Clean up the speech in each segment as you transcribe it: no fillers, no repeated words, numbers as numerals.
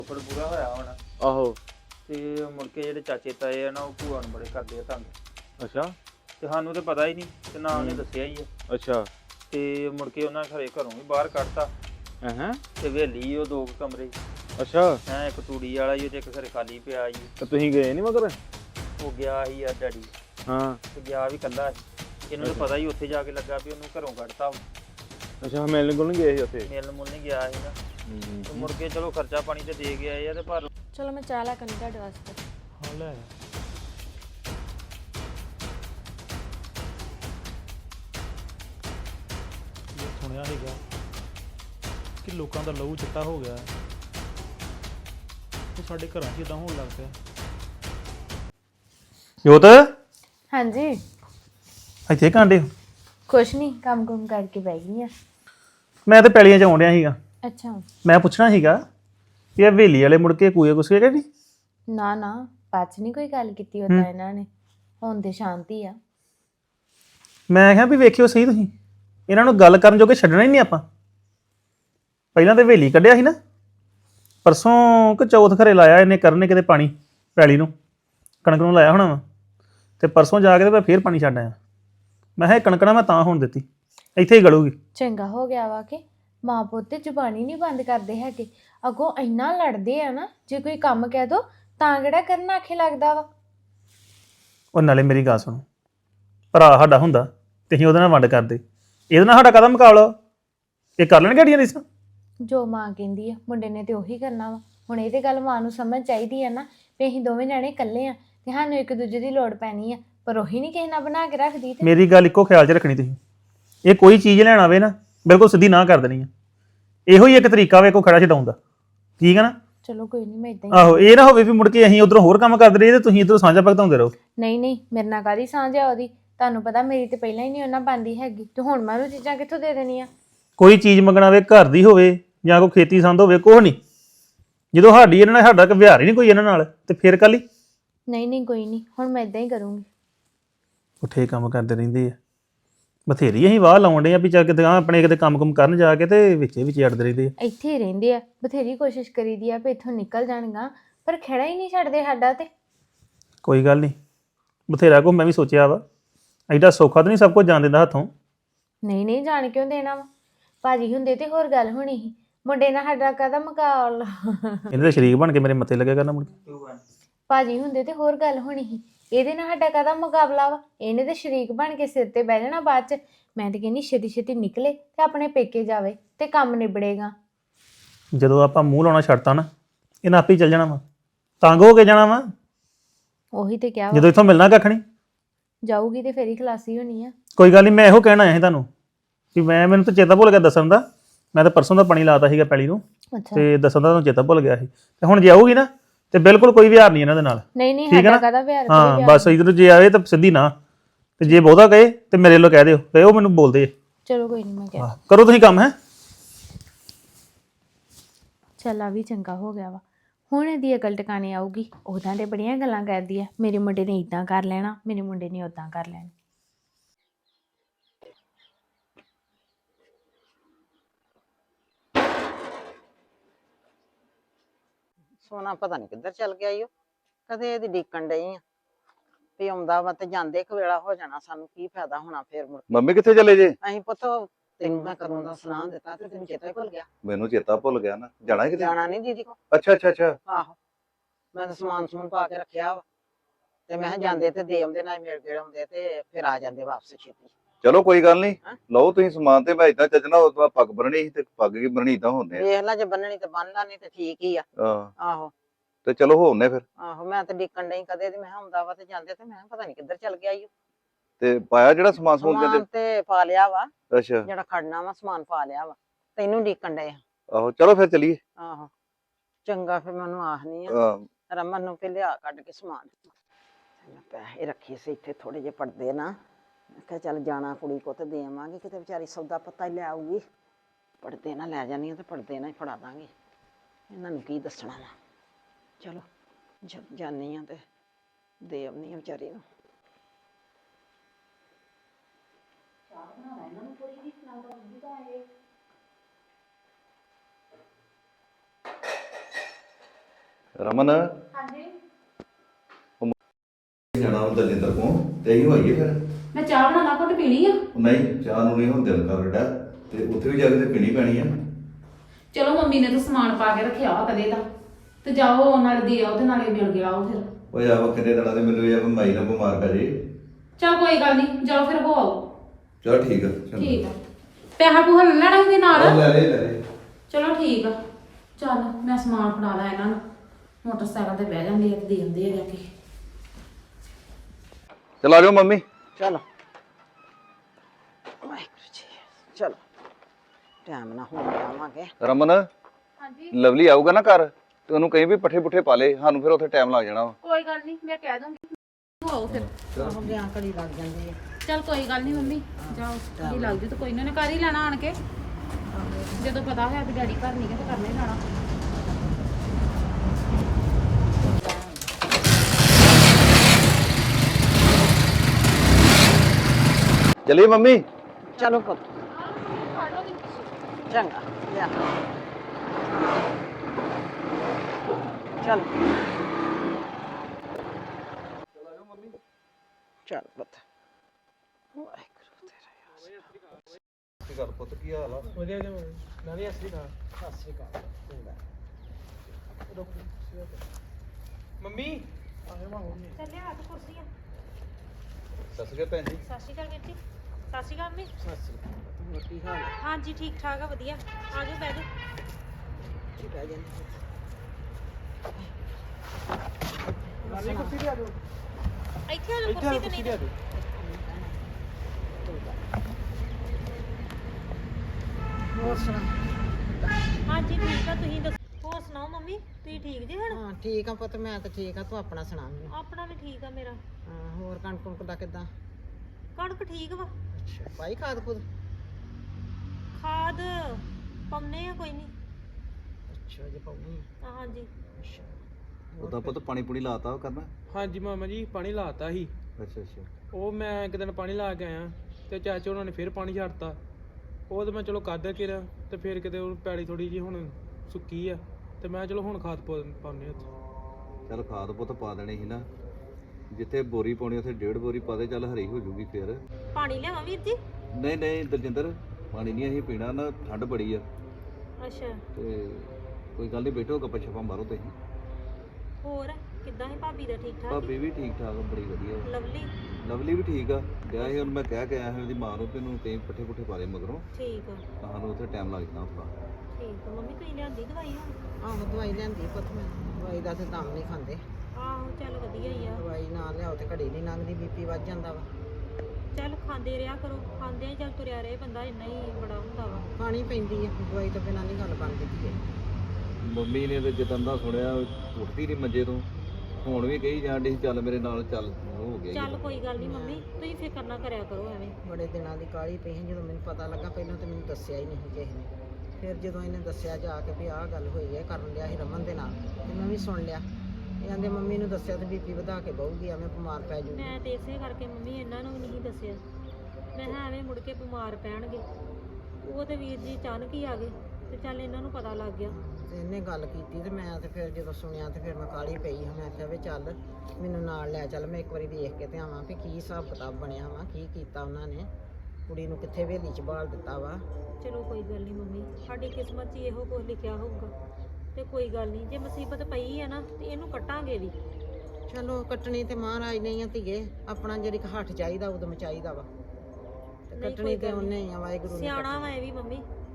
ਬੜਾ ਬੁਰਾ ਹੋਇਆ ਹੋਣਾ। ਆਹੋ। ਤੇ ਮੁੜ ਕੇ ਜਿਹੜੇ ਚਾਚੇ ਤਾਏ ਆ ਨਾ ਉਹ ਭੂਆ ਨੂੰ ਬੜੇ ਕਰਦੇ ਆ ਤੰਗ। ਅੱਛਾ। ਤੇ ਸਾਨੂੰ ਤੇ ਪਤਾ ਹੀ ਨਹੀਂ ਤੇ ਨਾ ਉਹਨੇ ਦੱਸਿਆ ਹੀ ਆ। ਅੱਛਾ। ਤੇ ਮੁੜ ਕੇ ਉਹਨਾਂ ਘਰੇ ਘਰੋਂ ਵੀ ਬਾਹਰ ਕੱਢਤਾ ਹਾਂ। ਤੇ ਹਵੇਲੀ ਉਹ 2 ਕਮਰੇ ਅੱਛਾ। ਹੈ, ਇੱਕ ਤੂੜੀ ਵਾਲਾ ਹੀ ਤੇ ਇੱਕ ਘਰੇ ਖਾਲੀ ਪਿਆ ਜੀ। ਤੇ ਤੁਸੀਂ ਗਏ ਨਹੀਂ ਮਗਰ? ਉਹ ਗਿਆ ਸੀ ਯਾਰ ਡੈਡੀ। ਹਾਂ। ਤੇ ਗਿਆ ਵੀ ਕੱਲਾ ਸੀ। ਇਹਨੂੰ ਤਾਂ ਪਤਾ ਹੀ ਉੱਥੇ ਜਾ ਕੇ ਲੱਗਾ ਵੀ ਉਹਨੂੰ ਘਰੋਂ ਕੱਢਤਾ। ਅੱਛਾ, ਮਿਲਣ ਕੋਲ ਨਹੀਂ ਗਏ ਸੀ ਉੱਥੇ? ਮਿਲਣ ਮੁਲ ਨਹੀਂ ਗਿਆ ਸੀ ਨਾ। ਤੇ ਮੁੜ ਕੇ ਚਲੋ ਖਰਚਾ ਪਾਣੀ ਤੇ ਦੇ ਗਿਆ ਆ ਤੇ ਪਰ ਚਲੋ ਮੈਂ ਚਾਹ ਲੈ ਕੇ ਤੁਹਾਡੇ ਵਾਸਤੇ। ਹਾਂ ਲੈ ਸੁਣਿਆ ਸੀਗਾ ਕਿ ਲੋਕਾਂ ਦਾ ਲਹੂ ਚਿੱਟਾ ਹੋ ਗਿਆ ਤੇ ਸਾਡੇ ਘਰਾਂ 'ਚ ਇਦਾਂ ਹੋਣ ਲੱਗ ਪਿਆ। ਜੋਤ ਹਾਂਜੀ। ਇੱਥੇ ਕਾਂਡੇ? ਕੁਛ ਨਹੀਂ, ਕੰਮ ਕੁਮ ਕਰਕੇ ਬਹਿ ਗਈ ਆ। ਮੈਂ ਤੇ ਪੈਲੀਆਂ 'ਚ ਆਉਣ ਡਿਆ ਸੀਗਾ। ਅੱਛਾ। ਮੈਂ ਪੁੱਛਣਾ ਸੀਗਾ ਕਿ ਇਹ ਹਵੇਲੀ ਵਾਲੇ ਮੁੜ ਕੇ ਕੂਏ ਕੁਸਕੇ ਗਏ ਨੀ? ਨਾ ਨਾ, ਬਾਅਦ 'ਚ ਨਹੀਂ ਕੋਈ ਗੱਲ ਕੀਤੀ ਉਦਾਂ ਇਹਨਾਂ ਨੇ। ਹੁਣ ਤੇ ਸ਼ਾਂਤੀ ਆ। ਮੈਂ ਕਿਹਾ ਵੀ ਵੇਖਿਓ ਸਹੀ ਤੁਸੀਂ, ਇਹਨਾਂ ਨੂੰ ਗੱਲ ਕਰਨ ਜੋਗੇ ਛੱਡਣਾ ਹੀ ਨਹੀਂ ਆਪਾਂ। ਪਹਿਲਾਂ ਤੇ ਹਵੇਲੀ ਕੱਢਿਆ ਸੀ ਨਾ, ਪਰਸੋਂ ਕਿ ਚੌਥ ਘਰੇ ਲਾਇਆ ਇਹਨੇ ਕਰਨੇ ਕਿਤੇ ਪਾਣੀ ਪੈਲੀ ਨੂੰ, ਕਣਕ ਨੂੰ ਲਾਇਆ ਹੋਣਾ ਵਾ। ਤੇ ਪਰਸੋਂ ਜਾ ਕੇ ਤੇ ਮੈਂ ਫੇਰ ਪਾਣੀ ਛੱਡ ਆਇਆ। ਮੈਂ ਕਿਹਾ ਇਹ ਕਣਕਣਾ ਮੈਂ ਤਾਂ ਹੁਣ ਦਿੱਤੀ, ਇੱਥੇ ਹੀ ਗਲੂਗੀ। ਚੰਗਾ ਹੋ ਗਿਆ ਵਾ ਕਿ ਮਾਂ ਪੁੱਤ ਤੇ ਜ਼ੁਬਾਨੀ ਨਹੀਂ ਬੰਦ ਕਰਦੇ ਹੈਗੇ। ਅੱਗੋਂ ਇੰਨਾ ਲੜਦੇ ਆ ਨਾ, ਜੇ ਕੋਈ ਕੰਮ ਕਹਿ ਦੋ ਤਾਂ ਕਿਹੜਾ ਕਰਨ ਆਖੇ ਲੱਗਦਾ ਵਾ। ਉਹ ਨਾਲੇ ਮੇਰੀ ਗੱਲ ਸੁਣੋ, ਭਰਾ ਸਾਡਾ ਹੁੰਦਾ ਤੇ ਅਸੀਂ ਉਹਦੇ ਨਾਲ ਵੰਡ ਕਰਦੇ, ਇਹਦੇ ਨਾਲ ਸਾਡਾ ਕਾਹਦਾ ਮੁਕਾਬਲਾ? ਇਹ ਕਰ ਲੈਣਗੇ ਅੜੀਆਂ ਰੀਸਾਂ। ਜੋ ਮਾਂ ਕਹਿੰਦੀ ਆ ਮੁੰਡੇ ਨੇ ਤੇ ਉਹੀ ਕਰਨਾ ਵਾ। ਹੁਣ ਇਹ ਤੇ ਗੱਲ ਮਾਂ ਨੂੰ ਸਮਝ ਚਾਹੀਦੀ ਆ ਨਾ ਵੀ ਅਸੀਂ ਦੋਵੇਂ ਜਾਣੇ ਇਕੱਲੇ ਆ ਤੇ ਸਾਨੂੰ ਇੱਕ ਦੂਜੇ ਦੀ ਲੋੜ ਪੈਣੀ ਆ, ਪਰ ਉਹੀ ਨਹੀਂ ਕਿਸੇ ਨਾਲ ਬਣਾ ਕੇ ਰੱਖਦੀ। ਤੇ ਮੇਰੀ ਗੱਲ ਇੱਕੋ ਖਿਆਲ 'ਚ ਰੱਖਣੀ ਤੁਸੀਂ, ਇਹ ਕੋਈ ਚੀਜ਼ ਲੈਣ ਆਵੇ ਨਾ ਬਿਲਕੁਲ ਸਿੱਧੀ ਨਾ ਕਰ ਦੇਣੀ ਆ। ਇਹੋ ਹੀ ਇੱਕ ਤਰੀਕਾ ਵੇ ਕੋ ਖੜਾ ਛਡਾਉਣ ਦਾ, ਠੀਕ ਹੈ ਨਾ? ਚਲੋ ਕੋਈ ਨਹੀਂ, ਮੈਂ ਇਦਾਂ ਹੀ। ਆਹੋ, ਇਹ ਨਾ ਹੋਵੇ ਵੀ ਮੁੜ ਕੇ ਅਸੀਂ ਉਧਰੋਂ ਹੋਰ ਕੰਮ ਕਰਦੇ ਰਹੀਏ ਤੇ ਤੁਸੀਂ ਇੱਧਰੋਂ ਸਾਂਝਾ ਭਗਤਾਉਂਦੇ ਰਹੋ। ਨਹੀਂ ਨਹੀਂ, ਮੇਰੇ ਨਾਲ ਕਾਹਦੀ ਸਾਂਝ ਆ ਉਹਦੀ? ਤੁਹਾਨੂੰ ਪਤਾ ਮੇਰੀ ਤੇ ਪਹਿਲਾਂ ਹੀ ਨਹੀਂ ਉਹਨਾਂ ਪਾਉਂਦੀ ਹੈਗੀ, ਤੇ ਹੁਣ ਮੈਂ ਉਹਨੂੰ ਚੀਜ਼ਾਂ ਕਿੱਥੋਂ ਦੇ ਦੇਣੀਆਂ? ਕੋਈ ਚੀਜ਼ ਮੰਗਣਾ ਵੇ, ਘਰ ਦੀ ਹੋਵੇ ਜਾਂ ਕੋਈ ਖੇਤੀ ਸੰਦ ਹੋਵੇ, ਕੁਛ ਨਹੀਂ। ਜਦੋਂ ਸਾਡੀ ਇਹਨਾਂ ਨਾਲ ਸਾਡਾ ਵਿਵਹਾਰ ਹੀ ਨਹੀਂ ਕੋਈ ਇਹਨਾਂ ਨਾਲ, ਤੇ ਫਿਰ ਕੱਲ ਹੀ ਨਹੀਂ ਨਹੀਂ, ਕੋਈ ਨਹੀਂ, ਹੁਣ ਮੈਂ ਇਦਾਂ ਹੀ ਕਰੂੰਗੀ। ਉੱਥੇ ਕੰਮ ਕਰਦੇ ਰਹਿੰਦੇ ਆ। ਬਥੇਰੀ ਅਸੀਂ ਵਾਹ ਲਾਉਂਦੇ ਆ ਵੀ ਚੱਲ ਕਿਤੇ ਆਪਣੇ ਕਿਤੇ ਕੰਮ ਕਰਨ ਜਾ ਕੇ ਤੇ ਵਿੱਚੇ ਵਿੱਚ ਅੜਦੇ ਰਹਿੰਦੇ ਆ। ਇੱਥੇ ਹੀ ਰਹਿੰਦੇ ਆ, ਬਥੇਰੀ ਕੋਸ਼ਿਸ਼ ਕਰੀਦੀ ਆ ਵੀ ਇੱਥੋਂ ਨਿਕਲ ਜਾਣਗਾ, ਪਰ ਖੜਾ ਹੀ ਨਹੀਂ ਛੱਡਦੇ ਸਾਡਾ। ਤੇ ਕੋਈ ਗੱਲ ਨਹੀਂ, ਬਥੇਰਾ ਕੋ ਮੈਂ ਵੀ ਸੋਚਿਆ ਵਾ, ਐਡਾ ਸੌਖਾ ਤਾਂ ਨਹੀਂ ਸਭ ਕੁਝ ਜਾਣ ਦਿੰਦਾ ਹੱਥੋਂ। ਨਹੀਂ ਨਹੀਂ, ਜਾਣ ਕਿਉਂ ਦੇਣਾ ਵਾ? ਭਾਜੀ ਹੁੰਦੇ ਤੇ ਹੋਰ ਗੱਲ ਹੋਣੀ ਸੀ, ਮੁੰਡੇ ਨਾਲ ਸਾਡਾ ਕਾਹਦਾ ਮੁਕਾਬਲਾ। ਇਹਦੇ ਤਾਂ ਸ਼ਰੀਕ ਬਣ ਕੇ ਮੇਰੇ ਮੱਥੇ ਲੱਗਿਆ ਕਰਨਾ ਮੁੜ ਕੇ। ਭਾਜੀ ਹੁੰਦੇ ਤੇ ਹੋਰ ਗੱਲ ਹੋਣੀ ਸੀ, ਇਹਦੇ ਨਾਲ ਸਾਡਾ ਕਾਹਦਾ ਮੁਕਾਬਲਾ ਵਾ? ਇਹਨੇ ਤੇ ਸ਼ਰੀਕ ਬਣ ਕੇ ਸਿਰ ਤੇ ਬਹਿ ਜਾਣਾ ਬਾਅਦ ਚ। ਮੈਂ ਤੇ ਕਹਿੰਦੀ ਛੇਤੀ ਛੇਤੀ ਨਿਕਲੇ ਤੇ ਆਪਣੇ ਪੇਕੇ ਜਾਵੇ ਤੇ ਕੰਮ ਨਿਬੜੇਗਾ। ਜਦੋਂ ਆਪਾਂ ਮੂੰਹ ਲਾਉਣਾ ਛੱਡਤਾ ਨਾ, ਇਹਨਾਂ ਆਪੇ ਹੀ ਚੱਲ ਜਾਣਾ ਵਾ, ਤੰਗ ਹੋ ਕੇ ਜਾਣਾ ਵਾ। ਉਹੀ ਤੇ ਕਿਹਾ ਜਦੋਂ ਵਾ, ਇੱਥੋਂ ਮਿਲਣਾ ਕੱਖ ਨਹੀਂ। ਜਾਊਗੀ ਤੇ ਫੇਰ ਹੀ ਖਲਾਸੀ ਹੋਣੀ ਆ। ਕੋਈ ਗੱਲ ਨਹੀਂ, ਮੈਂ ਇਹੋ ਕਹਿਣਾ ਆਇਆ ਸੀ ਤੁਹਾਨੂੰ ਕਿ ਮੈਨੂੰ ਤਾਂ ਚੇਤਾ ਭੁੱਲ ਗਿਆ ਦੱਸਣ ਦਾ। ਮੈਂ ਤਾਂ ਪਰਸੋਂ ਦਾ ਪਾਣੀ ਲਾਤਾ ਸੀਗਾ ਪੈਲੀ ਨੂੰ, ਅੱਛਾ। ਤੇ ਦੱਸਣ ਦਾ ਤੁਹਾਨੂੰ ਚੇਤਾ ਭੁੱਲ ਗਿਆ ਸੀ। ਤੇ ਹੁਣ ਜੇ ਆਊਗੀ ਨਾ ਤੇ ਬਿਲਕੁਲ ਕੋਈ ਵਿਹਾਰ ਨਹੀਂ ਇਹਨਾਂ ਦੇ ਨਾਲ, ਨਹੀਂ ਨਹੀਂ, ਠੀਕ ਹੈ ਸਾਡਾ ਨਾ? ਕਾਹਦਾ ਪਿਆਰ? ਹਾਂ ਬਸ ਇਧਰ ਜੇ ਆਵੇ ਤਾਂ ਸਿੱਧੀ ਨਾ, ਤੇ ਜੇ ਬਹੁਤਾ ਕਹੇ ਤੇ ਮੇਰੇ ਵੱਲੋਂ ਕਹਿ ਦਿਓ, ਉਹ ਮੈਨੂੰ ਬੋਲਦੇ ਆ। ਚਲੋ ਕੋਈ ਨਹੀਂ, ਮੈਂ ਕਿਹਾ ਕਰੋ ਤੁਸੀਂ ਕੰਮ। ਹੈ ਚੱਲ ਆ ਵੀ ਚੰਗਾ ਹੋ ਗਿਆ ਵਾ। ਹੁਣ ਇਹਦੀ ਅਕਲ ਟਿਕਾਣੇ ਆਊਗੀ। ਉਹਦਾਂ ਤੇ ਬੜੀਆਂ ਗੱਲਾਂ ਕਰਦੀ ਆ, ਮੇਰੇ ਮੁੰਡੇ ਨੇ ਇਦਾਂ ਕਰ ਲੈਣਾ, ਮੇਰੇ ਮੁੰਡੇ ਨੇ ਉਦਾਂ ਕਰ ਲੈਣਾ। ਸੋਨਾ ਪਤਾ ਨਹੀਂ ਕਿੱਧਰ ਚੱਲ ਗਿਆ ਈ ਓ। ਕਦੇ ਇਹਦੀ ਡੀਕਣ ਡਈ ਆ ਵੀ ਆਉਂਦਾ ਵਾ ਤੇ ਜਾਂਦੇ ਇੱਕ ਵੇਲਾ ਹੋ ਜਾਣਾ, ਸਾਨੂੰ ਕੀ ਫਾਇਦਾ ਹੋਣਾ ਫੇਰ ਮੁੜ ਕੇ। ਮੰਮੀ ਕਿੱਥੇ ਚਲੇ ਜੇ? ਅਸੀਂ ਪੁੱਤ ਤੈਨੂੰ ਮੈਂ ਕਦੋਂ ਦਾ ਸੁਣਾ ਦਿੱਤਾ ਤੇ ਤੈਨੂੰ ਚੇਤਾ ਹੀ ਭੁੱਲ ਗਿਆ। ਮੈਨੂੰ ਚੇਤਾ ਭੁੱਲ ਗਿਆ ਨਾ, ਜਾਣਾ ਕਿਤੇ? ਜਾਣਾ ਨਹੀਂ ਦੀਦੀ ਕੋ। ਅੱਛਾ ਅੱਛਾ ਅੱਛਾ। ਆਹੋ, ਮੈਂ ਤਾਂ ਸਮਾਨ ਸਮੂਨ ਪਾ ਕੇ ਰੱਖਿਆ ਵਾ ਤੇ ਮੈਂ ਕਿਹਾ ਜਾਂਦੇ ਤੇ ਦੇ ਆਉਂਦੇ, ਨਾਲ ਮਿਲ ਗਏ ਆਉਂਦੇ ਤੇ ਫਿਰ ਆ ਜਾਂਦੇ ਵਾਪਸ ਛੇਤੀ। ਚਲੋ ਕੋਈ ਗੱਲ ਨਹੀਂ, ਹੈਂ? ਲਓ ਤੁਸੀਂ ਸਮਾਨ ਤੇ ਮੈਂ ਇਦਾਂ ਚੱਜਣਾ, ਉਸ ਤੋਂ ਬਾਅਦ ਪੱਗ ਬੰਨਣੀ ਸੀ ਤੇ ਪੱਗ ਕੀ ਬੰਨਣੀ ਇਦਾਂ ਹੁੰਦੇ ਆ। ਵੇਖ ਲੈ ਜੇ ਬੰਨਣੀ ਤੇ ਬੰਨ ਲਾ, ਨਹੀਂ ਤੇ ਠੀਕ ਹੀ ਆ। ਆਹੋ ਤੇ ਚਲੋ ਹੋਣੇ ਫਿਰ। ਆਹੋ, ਮੈਂ ਤਾਂ ਡੀਕਣ ਡਈ ਕਦੇ ਦੀ, ਮੈਂ ਕਿਹਾ ਆਉਂਦਾ ਵਾ ਤੇ ਜਾਂਦੇ, ਤੇ ਮੈਂ ਕਿਹਾ ਪਤਾ ਨਹੀਂ ਕਿੱਧਰ ਚੱਲ ਗਿਆ ਈ ਓ। ਤੇ ਪਾਇਆ ਜਿਹੜਾ ਸਮਾਨ ਸਮੂਨ ਸਮਾਨ ਕਹਿੰਦੇ? ਤੇ ਪਾ ਲਿਆ ਵਾ, ਅੱਛਾ। ਜਿਹੜਾ ਖੜਨਾ ਵਾ ਸਮਾਨ ਪਾ ਲਿਆ ਵਾ, ਤੈਨੂੰ ਡੀਕਣ ਡਏ ਆ। ਆਹੋ ਚਲੋ ਫਿਰ ਚਲੀਏ। ਆਹੋ ਚੰਗਾ, ਫਿਰ ਮੈਨੂੰ ਆਖਨੀ ਆ ਆਹ, ਰਮਨ ਨੂੰ ਕਿ ਲਿਆ ਕੱਢ ਕੇ ਸਮਾਨ। ਮੈਂ ਪੈਸੇ ਰੱਖੇ ਸੀ ਇੱਥੇ ਥੋੜੇ ਜਿਹੇ ਪੜਦੇ ਨਾ, ਮੈਂ ਕਿਹਾ ਚੱਲ ਜਾਣਾ ਕੁੜੀ ਕੋ ਤੇ ਦੇ ਆਵਾਂਗੇ, ਕਿਤੇ ਵਿਚਾਰੀ ਸੌਦਾ ਪੱਤਾ ਹੀ ਲੈ ਆਊਗੀ। ਪੜਦੇ ਨਾ ਲੈ ਜਾਣੀ ਤੇ ਪੜਦੇ ਨਾ ਹੀ ਫੜਾ ਦਾਂਗੇ, ਇਹਨਾਂ ਨੂੰ ਕੀ ਦੱਸਣਾ ਵਾ। ਚਲੋ ਜਾਨੀ ਆ ਤੇ ਦੇ ਆਉਣੀ ਆ ਵਿਚਾਰੀ ਨੂੰ। ਰਮਨ ਹਾਂਜੀ ਜਾਣਾ ਉਹ ਦਲਜਿੰਦਰ ਕੋਲ ਤੇ ਅਸੀਂ ਹੋਈਏ ਫਿਰ। ਮੈਂ ਚਾਹ ਬਣਾਉਣਾ ਘੁੱਟ ਪੀਣੀ ਆ। ਨਹੀਂ ਚਾਹ ਨੂੰ ਨਹੀਂ ਹੁਣ ਦਿਲ ਕਰ ਰਿਹਾ ਤੇ ਉੱਥੇ ਵੀ ਜਾ ਕੇ ਤੇ ਪੀਣੀ ਪੈਣੀ ਆ। ਚਲੋ ਮੰਮੀ ਨੇ ਤਾਂ ਸਮਾਨ ਪਾ ਕੇ ਰੱਖਿਆ ਵਾ ਕਦੇ ਦਾ, ਤੇ ਜਾਓ ਨਾਲੇ ਦੇ ਆਓ ਤੇ ਨਾਲੇ ਮਿਲ ਕੇ ਆਓ ਫਿਰ। ਓਏ ਆਵਾ ਕਿੰਨੇ ਦਿਨਾਂ ਦੇ ਮੈਨੂੰ ਇਹ ਮਾਈ ਨਾ ਬਿਮਾਰ ਪੈ ਜੇ। ਚਲ ਕੋਈ ਗੱਲ ਨਹੀਂ, ਜਾਓ ਫਿਰ ਹੋ ਆਓ। ਚਲ ਠੀਕ ਆ ਚੰਗਾ। ਠੀਕ ਆ, ਪੈਸਾ ਪੂਹਾ ਲੈ ਲੈਣਾ ਇਹਦੇ ਨਾਲ। ਲੈ ਲੈ ਚਲੋ ਠੀਕ ਆ, ਚੱਲ ਮੈਂ ਸਮਾਨ ਫੜਾ ਲਾ ਇਹਨਾਂ ਨੂੰ, ਮੋਟਰਸਾਈਕਲ ਤੇ ਬਹਿ ਜਾਂਦੇ ਆ ਤੇ ਦੇ ਦਿੰਦੇ ਆ ਜਾ ਕੇ। ਚਲ ਆ ਜਾਓ ਮੰਮੀ। ਚਲੋ ਵਾਹਿਗੁਰੂ ਜੀ, ਚਲੋ ਟਾਈਮ ਨਾਲ ਹੁਣ ਆਵਾਂਗੇ। ਰਮਨ ਹਾਂਜੀ ਲਵਲੀ ਆਊਗਾ ਨਾ ਘਰ ਤੇ ਉਹਨੂੰ ਕਹੀਂ ਵੀ ਪੱਠੇ ਪੁੱਠੇ ਪਾ ਲੇ, ਸਾਨੂੰ ਫਿਰ ਉੱਥੇ ਟਾਈਮ ਲੱਗ ਜਾਣਾ ਵਾ। ਕੋਈ ਗੱਲ ਨਹੀਂ, ਮੈਂ ਕਹਿ ਦੂੰਗੀ। ਹੋ ਆਓ ਫਿਰ। ਆਹੋ ਬਿਆਨ ਘੜੀ ਲੱਗ ਜਾਂਦੀ ਹੈ। ਚਲ ਕੋਈ ਗੱਲ ਨਹੀਂ ਮੰਮੀ, ਜਾਓ ਜੀ ਲੱਗ ਜੂ ਤਾਂ ਕੋਈ ਨਾ, ਕਰ ਹੀ ਲੈਣਾ ਆਣ ਕੇ। ਜਦੋਂ ਪਤਾ ਹੋਇਆ ਵੀ ਡੈਡੀ ਘਰ ਨਹੀਂ ਗਏ ਤਾਂ ਕਰਨਾ ਹੀ ਲੈਣਾ। ਚਲਿਏ ਮੰਮੀ। ਚਲੋ ਪੁੱਤ ਚੰਗਾ ਲਿਆ ਚਲ ਚਲ ਪੁੱਤ ਵਾਹਿਗੁਰੂ ਤੇਰਾ ਗੱਲ ਪੁੱਤ ਕੀ ਹਾਲ ਆ? ਵਧੀਆ ਜੀ ਮੈਂ ਵੀ ਅਸਲੀ ਖਾ ਸਤਿ ਸ੍ਰੀ ਅਕਾਲ ਚੰਗਾ ਮੰਮੀ ਆਏ ਮਾ ਹੋਣੀ ਚੱਲੇ ਹੱਥ ਕੁਰਸੀਆਂ। ਸਤਿ ਸ਼੍ਰੀ ਅਕਾਲ ਭੈਣ ਜੀ। ਸਤਿ ਸ਼੍ਰੀ ਅਕਾਲ ਵੀਰ ਜੀ। ਸਤਿ ਸ਼੍ਰੀ ਅਕਾਲ ਮੰਮੀ। ਹੋਰ ਕੀ ਹਾਲ ਹੈ? ਹਾਂਜੀ ਠੀਕ ਠਾਕ ਆ, ਵਧੀਆ। ਆ ਜਾਓ ਬਹਿ ਜਾਓ। ਕੀ ਕਹਿ ਜਾਂਦੇ ਨਾਲੇ ਕੁਰਸੀ ਤੇ ਆ ਜਾਓ। ਇੱਥੇ ਆ ਜਾਓ, ਕੁਰਸੀ ਤੇ ਨਹੀਂ। ਹੋਰ ਸੁਣਾ? ਹਾਂਜੀ ਠੀਕ ਆ, ਤੁਸੀਂ ਦੱਸੋ। ਹੋਰ ਸੁਣਾਓ ਮੰਮੀ, ਤੁਸੀਂ ਠੀਕ ਜੀ ਹੁਣ? ਹਾਂ ਠੀਕ ਆ ਪੁੱਤ, ਮੈਂ ਤਾਂ ਠੀਕ ਆ, ਤੂੰ ਆਪਣਾ ਸੁਣਾ ਮੈਨੂੰ। ਆਪਣਾ ਵੀ ਠੀਕ ਆ ਮੇਰਾ। ਹਾਂ ਹੋਰ ਕਣਕ ਕੁਣਕ ਦਾ ਕਿੱਦਾਂ? ਕਣਕ ਠੀਕ ਵਾ। ਅੱਛਾ ਪਾਈ ਖਾਦ ਖੁਦ? ਖਾਦ ਪਾਉਨੇ ਆ, ਕੋਈ ਨਹੀਂ। ਅੱਛਾ ਜੇ ਪਾਉਣੀ ਆ। ਹਾਂਜੀ ਅੱਛਾ ਉਹਦਾ ਪੁੱਤ ਪਾਣੀ ਪੂਣੀ ਲਾਤਾ ਕਰਨਾ। ਹਾਂਜੀ ਮਾਮਾ ਜੀ ਪਾਣੀ ਲਾਤਾ ਸੀ। ਅੱਛਾ ਅੱਛਾ। ਉਹ ਮੈਂ ਇੱਕ ਦਿਨ ਪਾਣੀ ਲਾ ਕੇ ਆਇਆ ਤੇ ਚਾਚੇ ਉਹਨਾਂ ਨੇ ਫਿਰ ਪਾਣੀ ਛੱਡਤਾ। ਉਹ ਤੇ ਮੈਂ ਚਲੋ ਕੱਢ ਕੇ ਰਿਹਾ ਤੇ ਫਿਰ ਕਿਤੇ ਉਹ ਪੈੜੀ ਥੋੜੀ ਜੀ ਹੁਣ ਸੁੱਕੀ ਆ ਤੇ ਮੈਂ ਚਲੋ ਹੁਣ ਖਾਦ ਪਾਉਣੇ ਉੱਥੇ। ਚੱਲ ਖਾਦ ਪੁੱਤ ਪਾ ਦੇਣੀ ਸੀ ਨਾ, ਜਿੱਥੇ ਬੋਰੀ ਪਾਉਣੀ ਉੱਥੇ 1.5 ਬੋਰੀ ਪਾ ਦੇ, ਚੱਲ ਹਰੀ ਹੋ ਜੂਗੀ ਫਿਰ। ਪਾਣੀ ਲਿਆਵਾਂ ਵੀਰ ਜੀ? ਨਹੀਂ ਨਹੀਂ ਦਲਜਿੰਦਰ ਪਾਣੀ ਨਹੀਂ ਅਸੀਂ ਪੀਣਾ ਨਾ, ਠੰਡ ਬੜੀ ਆ ਅੱਛਾ ਤੇ ਕੋਈ ਗੱਲ ਨਹੀਂ, ਬੈਠੋ ਗੱਪਾਂ ਛੱਪਾਂ ਮਾਰੋ ਤੁਸੀਂ। ਹੋਰ ਕਿੱਦਾਂ ਹੈ ਭਾਬੀ ਦਾ? ਠੀਕ ਠਾਕ? ਭਾਬੀ ਵੀ ਠੀਕ ਠਾਕ ਆ, ਬੜੀ ਵਧੀਆ ਵਾ। ਲਵਲੀ ਲਵਲੀ ਵੀ ਠੀਕ ਆ, ਗਿਆ ਸੀ ਉਹਨੂੰ ਮੈਂ ਕਹਿ ਕੇ ਆਇਆ ਸੀ ਉਹਦੀ ਮਾਂ ਨੂੰ ਕਿ ਉਹਨੂੰ ਕਈ ਪੱਠੇ ਪੁੱਠੇ ਪਾ ਦੇ ਮਗਰੋਂ, ਠੀਕ ਆ। ਸਾਨੂੰ ਉੱਥੇ ਟਾਈਮ ਲੱਗ ਜਾਣਾ ਆਪਾਂ। ਠੀਕ ਆ ਮੰਮੀ, ਤੁਸੀਂ ਲਿਆਂਦੀ ਦਵਾਈ ਹੁਣ? ਆਹੋ ਦਵਾਈ ਲਿਆਂਦੀ ਪੁੱਤ ਮੈਂ। ਦਵਾਈ ਦਾ ਤੇ ਦਮ ਨਹੀਂ ਖਾਂਦੇ। ਆਹੋ ਚੱਲ ਵਧੀਆ ਹੀ ਆ। ਦਵਾਈ ਨਾ ਲਿਆਓ ਤੇ ਘੜੀ ਨਹੀਂ ਲੰਘਦੀ, ਬੀਪੀ ਵੱਧ ਜਾਂਦਾ ਵਾ। ਚੱਲ ਖਾਂਦੇ ਰਿਹਾ ਕਰੋ, ਖਾਂਦੇ ਹੀ ਚੱਲ ਤੁਰਿਆ ਰਹੇ ਬੰਦਾ, ਇੰਨਾ ਹੀ ਬੜਾ ਹੁੰਦਾ ਵਾ। ਖਾਣੀ ਪੈਂਦੀ ਹੈ ਦਵਾਈ ਤੋਂ ਬਿਨਾਂ ਨਹੀਂ ਗੱਲ ਬਣਦੀ ਹੈ। ਮੰਮੀ ਨੇ ਤੇ ਜਦੋਂ ਦਾ ਸੁਣਿਆ ਉੱਠਦੀ ਨਹੀਂ ਮੰਜੇ ਤੋਂ, ਹੁਣ ਵੀ ਕਹੀ ਜਾਣ ਡਈ ਸੀ ਚੱਲ ਮੇਰੇ ਨਾਲ ਚੱਲ, ਹੋ ਗਿਆ ਚੱਲ ਕੋਈ ਗੱਲ ਨਹੀਂ ਮੰਮੀ, ਤੁਸੀਂ ਫਿਕਰ ਨਾ ਕਰਿਆ ਕਰੋ ਐਵੇਂ। ਬੜੇ ਦਿਨਾਂ ਦੀ ਕਾਹਲੀ ਪਈ ਸੀ, ਜਦੋਂ ਮੈਨੂੰ ਪਤਾ ਲੱਗਾ ਪਹਿਲਾਂ ਤਾਂ ਮੈਨੂੰ ਦੱਸਿਆ ਹੀ ਨਹੀਂ ਕਿਸੇ ਨੇ। ਫਿਰ ਜਦੋਂ ਇਹਨੇ ਦੱਸਿਆ ਜਾ ਕੇ ਵੀ ਆਹ ਗੱਲ ਹੋਈ ਹੈ, ਕਰਨ ਲਿਆ ਸੀ ਰਮਨ ਦੇ ਨਾਲ, ਤੇ ਮੈਂ ਵੀ ਸੁਣ ਲਿਆ। ਇਹ ਕਹਿੰਦੇ ਮੰਮੀ ਨੂੰ ਦੱਸਿਆ ਤੇ ਬੀਪੀ ਵਧਾ ਕੇ ਬਹੂਗੀ, ਐਵੇਂ ਬਿਮਾਰ ਪੈ ਜੂਗੀ। ਮੈਂ ਤੇ ਇਸੇ ਕਰਕੇ ਮੰਮੀ ਇਹਨਾਂ ਨੂੰ ਵੀ ਨਹੀਂ ਦੱਸਿਆ, ਮੈਂ ਕਿਹਾ ਐਵੇਂ ਮੁੜ ਕੇ ਬਿਮਾਰ ਪੈਣਗੇ। ਉਹ ਤੇ ਵੀਰ ਜੀ ਅਚਾਨਕ ਹੀ ਆ ਗਏ ਤੇ ਚੱਲ ਇਹਨਾਂ ਨੂੰ ਪਤਾ ਲੱਗ ਗਿਆ। ਤੇ ਇਹਨੇ ਗੱਲ ਕੀਤੀ ਤੇ ਮੈਂ ਤੇ ਫਿਰ ਜਦੋਂ ਸੁਣਿਆ ਤੇ ਫਿਰ ਮੈਂ ਕਾਹਲੀ ਪਈ ਹਾਂ। ਮੈਂ ਕਿਹਾ ਵੀ ਚੱਲ ਮੈਨੂੰ ਨਾਲ ਲੈ ਚੱਲ, ਮੈਂ ਇੱਕ ਵਾਰੀ ਵੇਖ ਕੇ ਤੇ ਆਵਾਂ ਵੀ ਕੀ ਹਿਸਾਬ ਕਿਤਾਬ ਬਣਿਆ ਵਾ, ਕੀ ਕੀਤਾ ਉਹਨਾਂ ਨੇ, ਕੁੜੀ ਨੂੰ ਕਿੱਥੇ ਹਵੇਲੀ 'ਚ ਬਾਲ ਦਿੱਤਾ ਵਾ। ਚਲੋ ਕੋਈ ਗੱਲ ਨਹੀਂ ਮੰਮੀ, ਸਾਡੀ ਕਿਸਮਤ 'ਚ ਹੀ ਇਹੋ ਕੁਝ ਲਿਖਿਆ ਹੋਊਗਾ ਤੇ ਕੋਈ ਗੱਲ ਨਹੀਂ, ਜੇ ਮੁਸੀਬਤ ਪਈ ਹੈ ਨਾ ਤੇ ਇਹਨੂੰ ਕੱਟਾਂਗੇ ਵੀ। ਚਲੋ ਕੱਟਣੀ ਤੇ ਮਹਾਰਾਜ ਨਹੀਂ ਆ ਧੀਏ, ਆਪਣਾ ਜਿਹੜੀ ਹੱਥ ਚਾਹੀਦਾ ਉਦਮ ਚਾਹੀਦਾ ਵਾ, ਤੇ ਨਹੀਂ, ਕੱਟਣੀ ਕੋਈ ਤੇ ਗੱਲ ਉਹਨੇ ਹੀ ਆ, ਵਾਹਿਗੁਰੂ ਨੇ ਸਿਆਣਾ ਵਾ ਇਹ ਵੀ ਮੰਮੀ,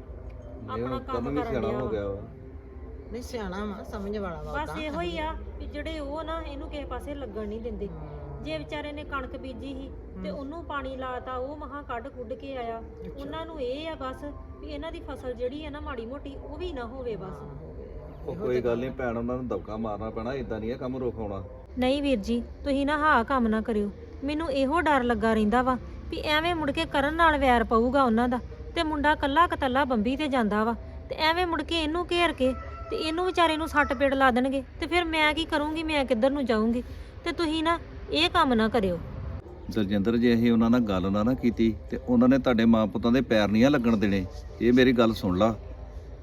ਆਪਣਾ ਕੰਮ ਕੰਮ ਵੀ ਕਰਨ ਸਿਆਣਾ ਡਿਆ ਹੋ ਵਾ। ਗਿਆ ਵਾ। ਨਹੀਂ ਸਿਆਣਾ ਵਾ, ਸਮਝ ਵਾਲਾ ਵਾ ਬਸ ਉਦਾਂ। ਇਹੋ ਹੀ ਆ ਵੀ ਜਿਹੜੇ ਉਹ ਨਾ ਇਹਨੂੰ ਕਿਸੇ ਪਾਸੇ ਲੱਗਣ ਨਹੀਂ ਦਿੰਦੇ। ਜੇ ਵਿਚਾਰੇ ਨੇ ਕਣਕ ਬੀਜੀ ਸੀ ਤੇ ਉਹਨੂੰ ਪਾਣੀ ਲਾਤਾ, ਉਹ ਮਹਾ ਕੱਢ ਕੁੱਢ ਕੇ ਆਇਆ। ਉਹਨਾਂ ਨੂੰ ਇਹ ਆ ਬਸ ਵੀ ਇਹਨਾਂ ਦੀ ਫਸਲ ਜਿਹੜੀ ਹੈ ਨਾ ਮਾੜੀ ਮੋਟੀ ਉਹ ਵੀ ਨਾ ਹੋਵੇ ਬਸ। ਉਹ ਕੋਈ ਗੱਲ ਨਹੀਂ ਭੈਣ, ਉਹਨਾਂ ਨੂੰ ਦਬਕਾ ਮਾਰਨਾ ਪੈਣਾ, ਇਦਾਂ ਨਹੀਂ ਇਹ ਕੰਮ ਰੋਕਾਉਣਾ। ਨਹੀਂ ਵੀਰ ਜੀ, ਤੁਸੀਂ ਨਾ ਹਾਂ ਕੰਮ ਨਾ ਕਰਿਓ, ਮੈਨੂੰ ਇਹੋ ਡਰ ਲੱਗਾ ਰਹਿੰਦਾ ਵਾ ਵੀ ਐਵੇਂ ਮੁੜ ਕੇ ਕਰਨ ਨਾਲ ਵੈਰ ਪਊਗਾ ਉਹਨਾਂ ਦਾ, ਤੇ ਮੁੰਡਾ ਕੱਲਾ ਕਤੱਲਾ ਬੰਬੀ ਤੇ ਜਾਂਦਾ ਵਾ, ਤੇ ਐਵੇਂ ਮੁੜ ਕੇ ਇਹਨੂੰ ਘੇਰ ਕੇ ਤੇ ਇਹਨੂੰ ਵਿਚਾਰੇ ਨੂੰ ਸੱਟ ਪੇੜ ਲਾ ਦੇਣਗੇ, ਤੇ ਫਿਰ ਮੈਂ ਕੀ ਕਰੂੰਗੀ, ਮੈਂ ਕਿੱਧਰ ਨੂੰ ਜਾਊਂਗੀ। ਤੇ ਤੁਸੀਂ ਨਾ ਇਹ ਕੰਮ ਨਾ ਕਰਿਓ। ਦਲਜਿੰਦਰ ਜੇ ਅਸੀਂ ਉਹਨਾਂ ਨਾਲ ਗੱਲ ਨਾ ਕੀਤੀ ਤੇ ਉਹਨਾਂ ਨੇ ਤੁਹਾਡੇ ਮਾਂ ਪੁੱਤਾਂ ਦੇ ਪੈਰ ਨਹੀਂ ਆ ਲੱਗਣ ਦੇਣੇ, ਇਹ ਮੇਰੀ ਗੱਲ ਸੁਣ ਲਾ।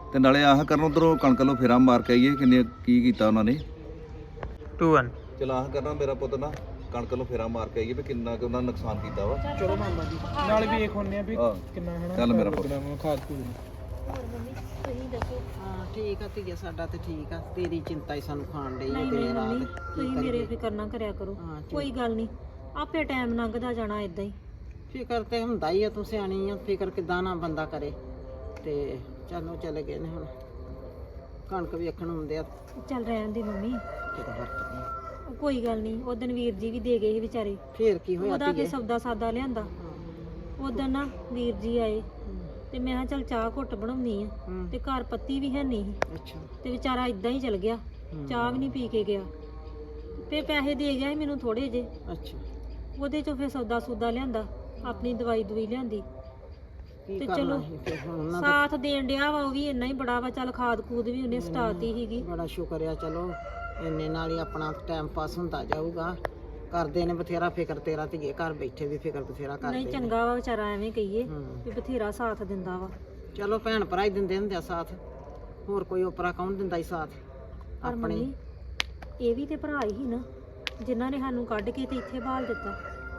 ਤੇ ਨਾਲੇ ਆਹ ਕਰਨ ਉਧਰੋਂ ਕਣਕ ਲੋ ਫੇਰਾ ਮਾਰ ਕੇ ਆਈਏ ਕਿੰਨੇ ਕੀ ਕੀਤਾ ਉਹਨਾਂ ਨੇ। 2 1 ਚਲ ਆਹ ਕਰਨਾ ਮੇਰਾ ਪੁੱਤ ਨਾ ਕਣਕ ਨੂੰ ਫੇਰਾ ਮਾਰ ਕੇ ਆਈਏ ਵੀ ਕਿੰਨਾ ਕੁ ਉਹਨਾਂ ਨੇ ਨੁਕਸਾਨ ਕੀਤਾ ਵਾ। ਚਲੋ ਮਾਮਾ ਜੀ ਨਾਲ ਵੇਖ ਹੁੰਨੇ ਆ ਵੀ ਹਾਂ। ਕਿੰਨਾ ਹਨਾ ਚੱਲ ਮੇਰਾ ਪੁੱਤ। ਲੱਗਣਾ ਵਾ ਖਾਦ ਖੂਦ ਨੂੰ। ਹੋਰ ਮੰਮੀ ਤੁਸੀਂ ਦੱਸੋ। ਹਾਂ ਠੀਕ ਆ ਧੀਏ, ਸਾਡਾ ਤੇ ਠੀਕ ਆ, ਤੇਰੀ ਚਿੰਤਾ ਹੀ ਸਾਨੂੰ ਖਾਣ ਡਈ ਆ ਨਹੀਂ ਦਿਨ ਨਹੀਂ ਮੰਮੀ ਰਾਤ। ਤੁਸੀਂ ਮੇਰੇ ਫਿਕਰ ਨਾ ਕਰਿਆ ਕਰੋ। ਹਾਂ, ਕੋਈ ਗੱਲ ਨਹੀਂ, ਆਪੇ ਟਾਈਮ ਲੰਘਦਾ ਜਾਣਾ ਇਦਾਂ ਹੀ। ਫਿਕਰ ਤੇ ਹੁੰਦਾ ਹੀ ਆ, ਤੂੰ ਸਿਆਣੀ ਆ, ਫਿਕਰ ਕਿੱਦਾਂ ਨਾ ਬੰਦਾ ਕਰੇ। ਤੇ ਚਲੋ ਚਲੇ ਗਏ ਨੇ ਹੁਣ, ਕਣਕ ਵੇਖਣ ਹੁੰਦੇ ਆ ਚੱਲ ਰਹਿਣ ਦੀ ਮੰਮੀ, ਕਿਤੇ ਵਰਤਦੇ। ਕੋਈ ਗੱਲ ਨਹੀਂ। ਉਹ ਦਿਨ ਵੀਰ ਜੀ ਵੀ ਦੇ ਗਏ ਸੀ ਵਿਚਾਰੇ, ਫੇਰ ਕੀ ਹੋਇਆ ਉਹਦਾ ਕੀ ਧੀਏ? ਸੌਦਾ ਸਾਦਾ ਲਿਆਂਦਾ। ਉਦੋਂ ਨਾ ਵੀਰ ਜੀ ਆਏ ਤੇ ਮੈਂ ਕਿਹਾ ਚੱਲ ਚਾਹ ਘੁੱਟ ਬਣਾਉਣੀ ਆ, ਹੂੰ। ਤੇ ਘਰ ਪੱਤੀ ਵੀ ਹੈ ਨਹੀਂ ਸੀ ਅੱਛਾ। ਤੇ ਵਿਚਾਰਾ ਇਦਾਂ ਹੀ ਚਲ ਗਿਆ, ਚਾਹ ਵੀ ਨਹੀਂ ਪੀ ਕੇ ਗਿਆ ਤੇ ਪੈਸੇ ਦੇ ਗਿਆ ਸੀ ਮੈਨੂੰ ਥੋੜੇ ਜੇ, ਅੱਛਾ, ਉਹਦੇ ਚੋਂ ਫਿਰ ਸੌਦਾ ਸੂਦਾ ਲਿਆਂਦਾ, ਆਪਣੀ ਦਵਾਈ ਦਵਾਈ ਲਿਆਂਦੀ ਕੀ ਤੇ ਕਰਨਾ ਚਲੋ ਸੀ ਫਿਰ ਹੁਣ ਉਹਨਾਂ ਦਾ। ਸਾਥ ਦੇਣ ਡਿਆ ਵਾ, ਉਹ ਵੀ ਇੰਨਾ ਹੀ ਬੜਾ ਵਾ। ਚੱਲ ਖਾਦ ਖੂਦ ਵੀ ਉਹਨੇ ਸਟਾਤੀ ਸੀਗੀ। ਬੜਾ ਸ਼ੁਕਰ ਆ, ਚਲੋ ਇੰਨੇ ਨਾਲ ਹੀ ਆਪਣਾ ਟਾਈਮ ਪਾਸ ਹੁੰਦਾ ਜਾਊਗਾ। ਕਰਦੇ ਨੇ ਬਥੇਰਾ ਫਿਕਰ ਤੇਰਾ, ਧੀਏ ਘਰ ਬੈਠੇ ਵੀ ਫਿਕਰ ਬਥੇਰਾ ਕਰਦੇ ਨਹੀਂ ਨੇ। ਚੰਗਾ ਵਾ ਵਿਚਾਰਾ, ਐਵੇਂ ਕਹੀਏ ਹੂੰ। ਵੀ ਬਥੇਰਾ ਸਾਥ ਦਿੰਦਾ ਵਾ। ਚਲੋ ਭੈਣ ਭਰਾ ਹੀ ਦਿੰਦੇ ਹੁੰਦੇ ਆ ਸਾਥ, ਹੋਰ ਕੋਈ ਉਪਰਾ ਕੌਣ ਦਿੰਦਾ ਹੀ ਸਾਥ ਪਰ ਆਪਣੇ। ਮੰਮੀ ਇਹ ਵੀ ਤੇ ਭਰਾ ਹੀ ਨਾ ਜਿਨ੍ਹਾਂ ਨੇ ਸਾਨੂੰ ਕੱਢ ਕੇ ਤੇ ਇੱਥੇ ਬਾਲ ਦਿੱਤਾ।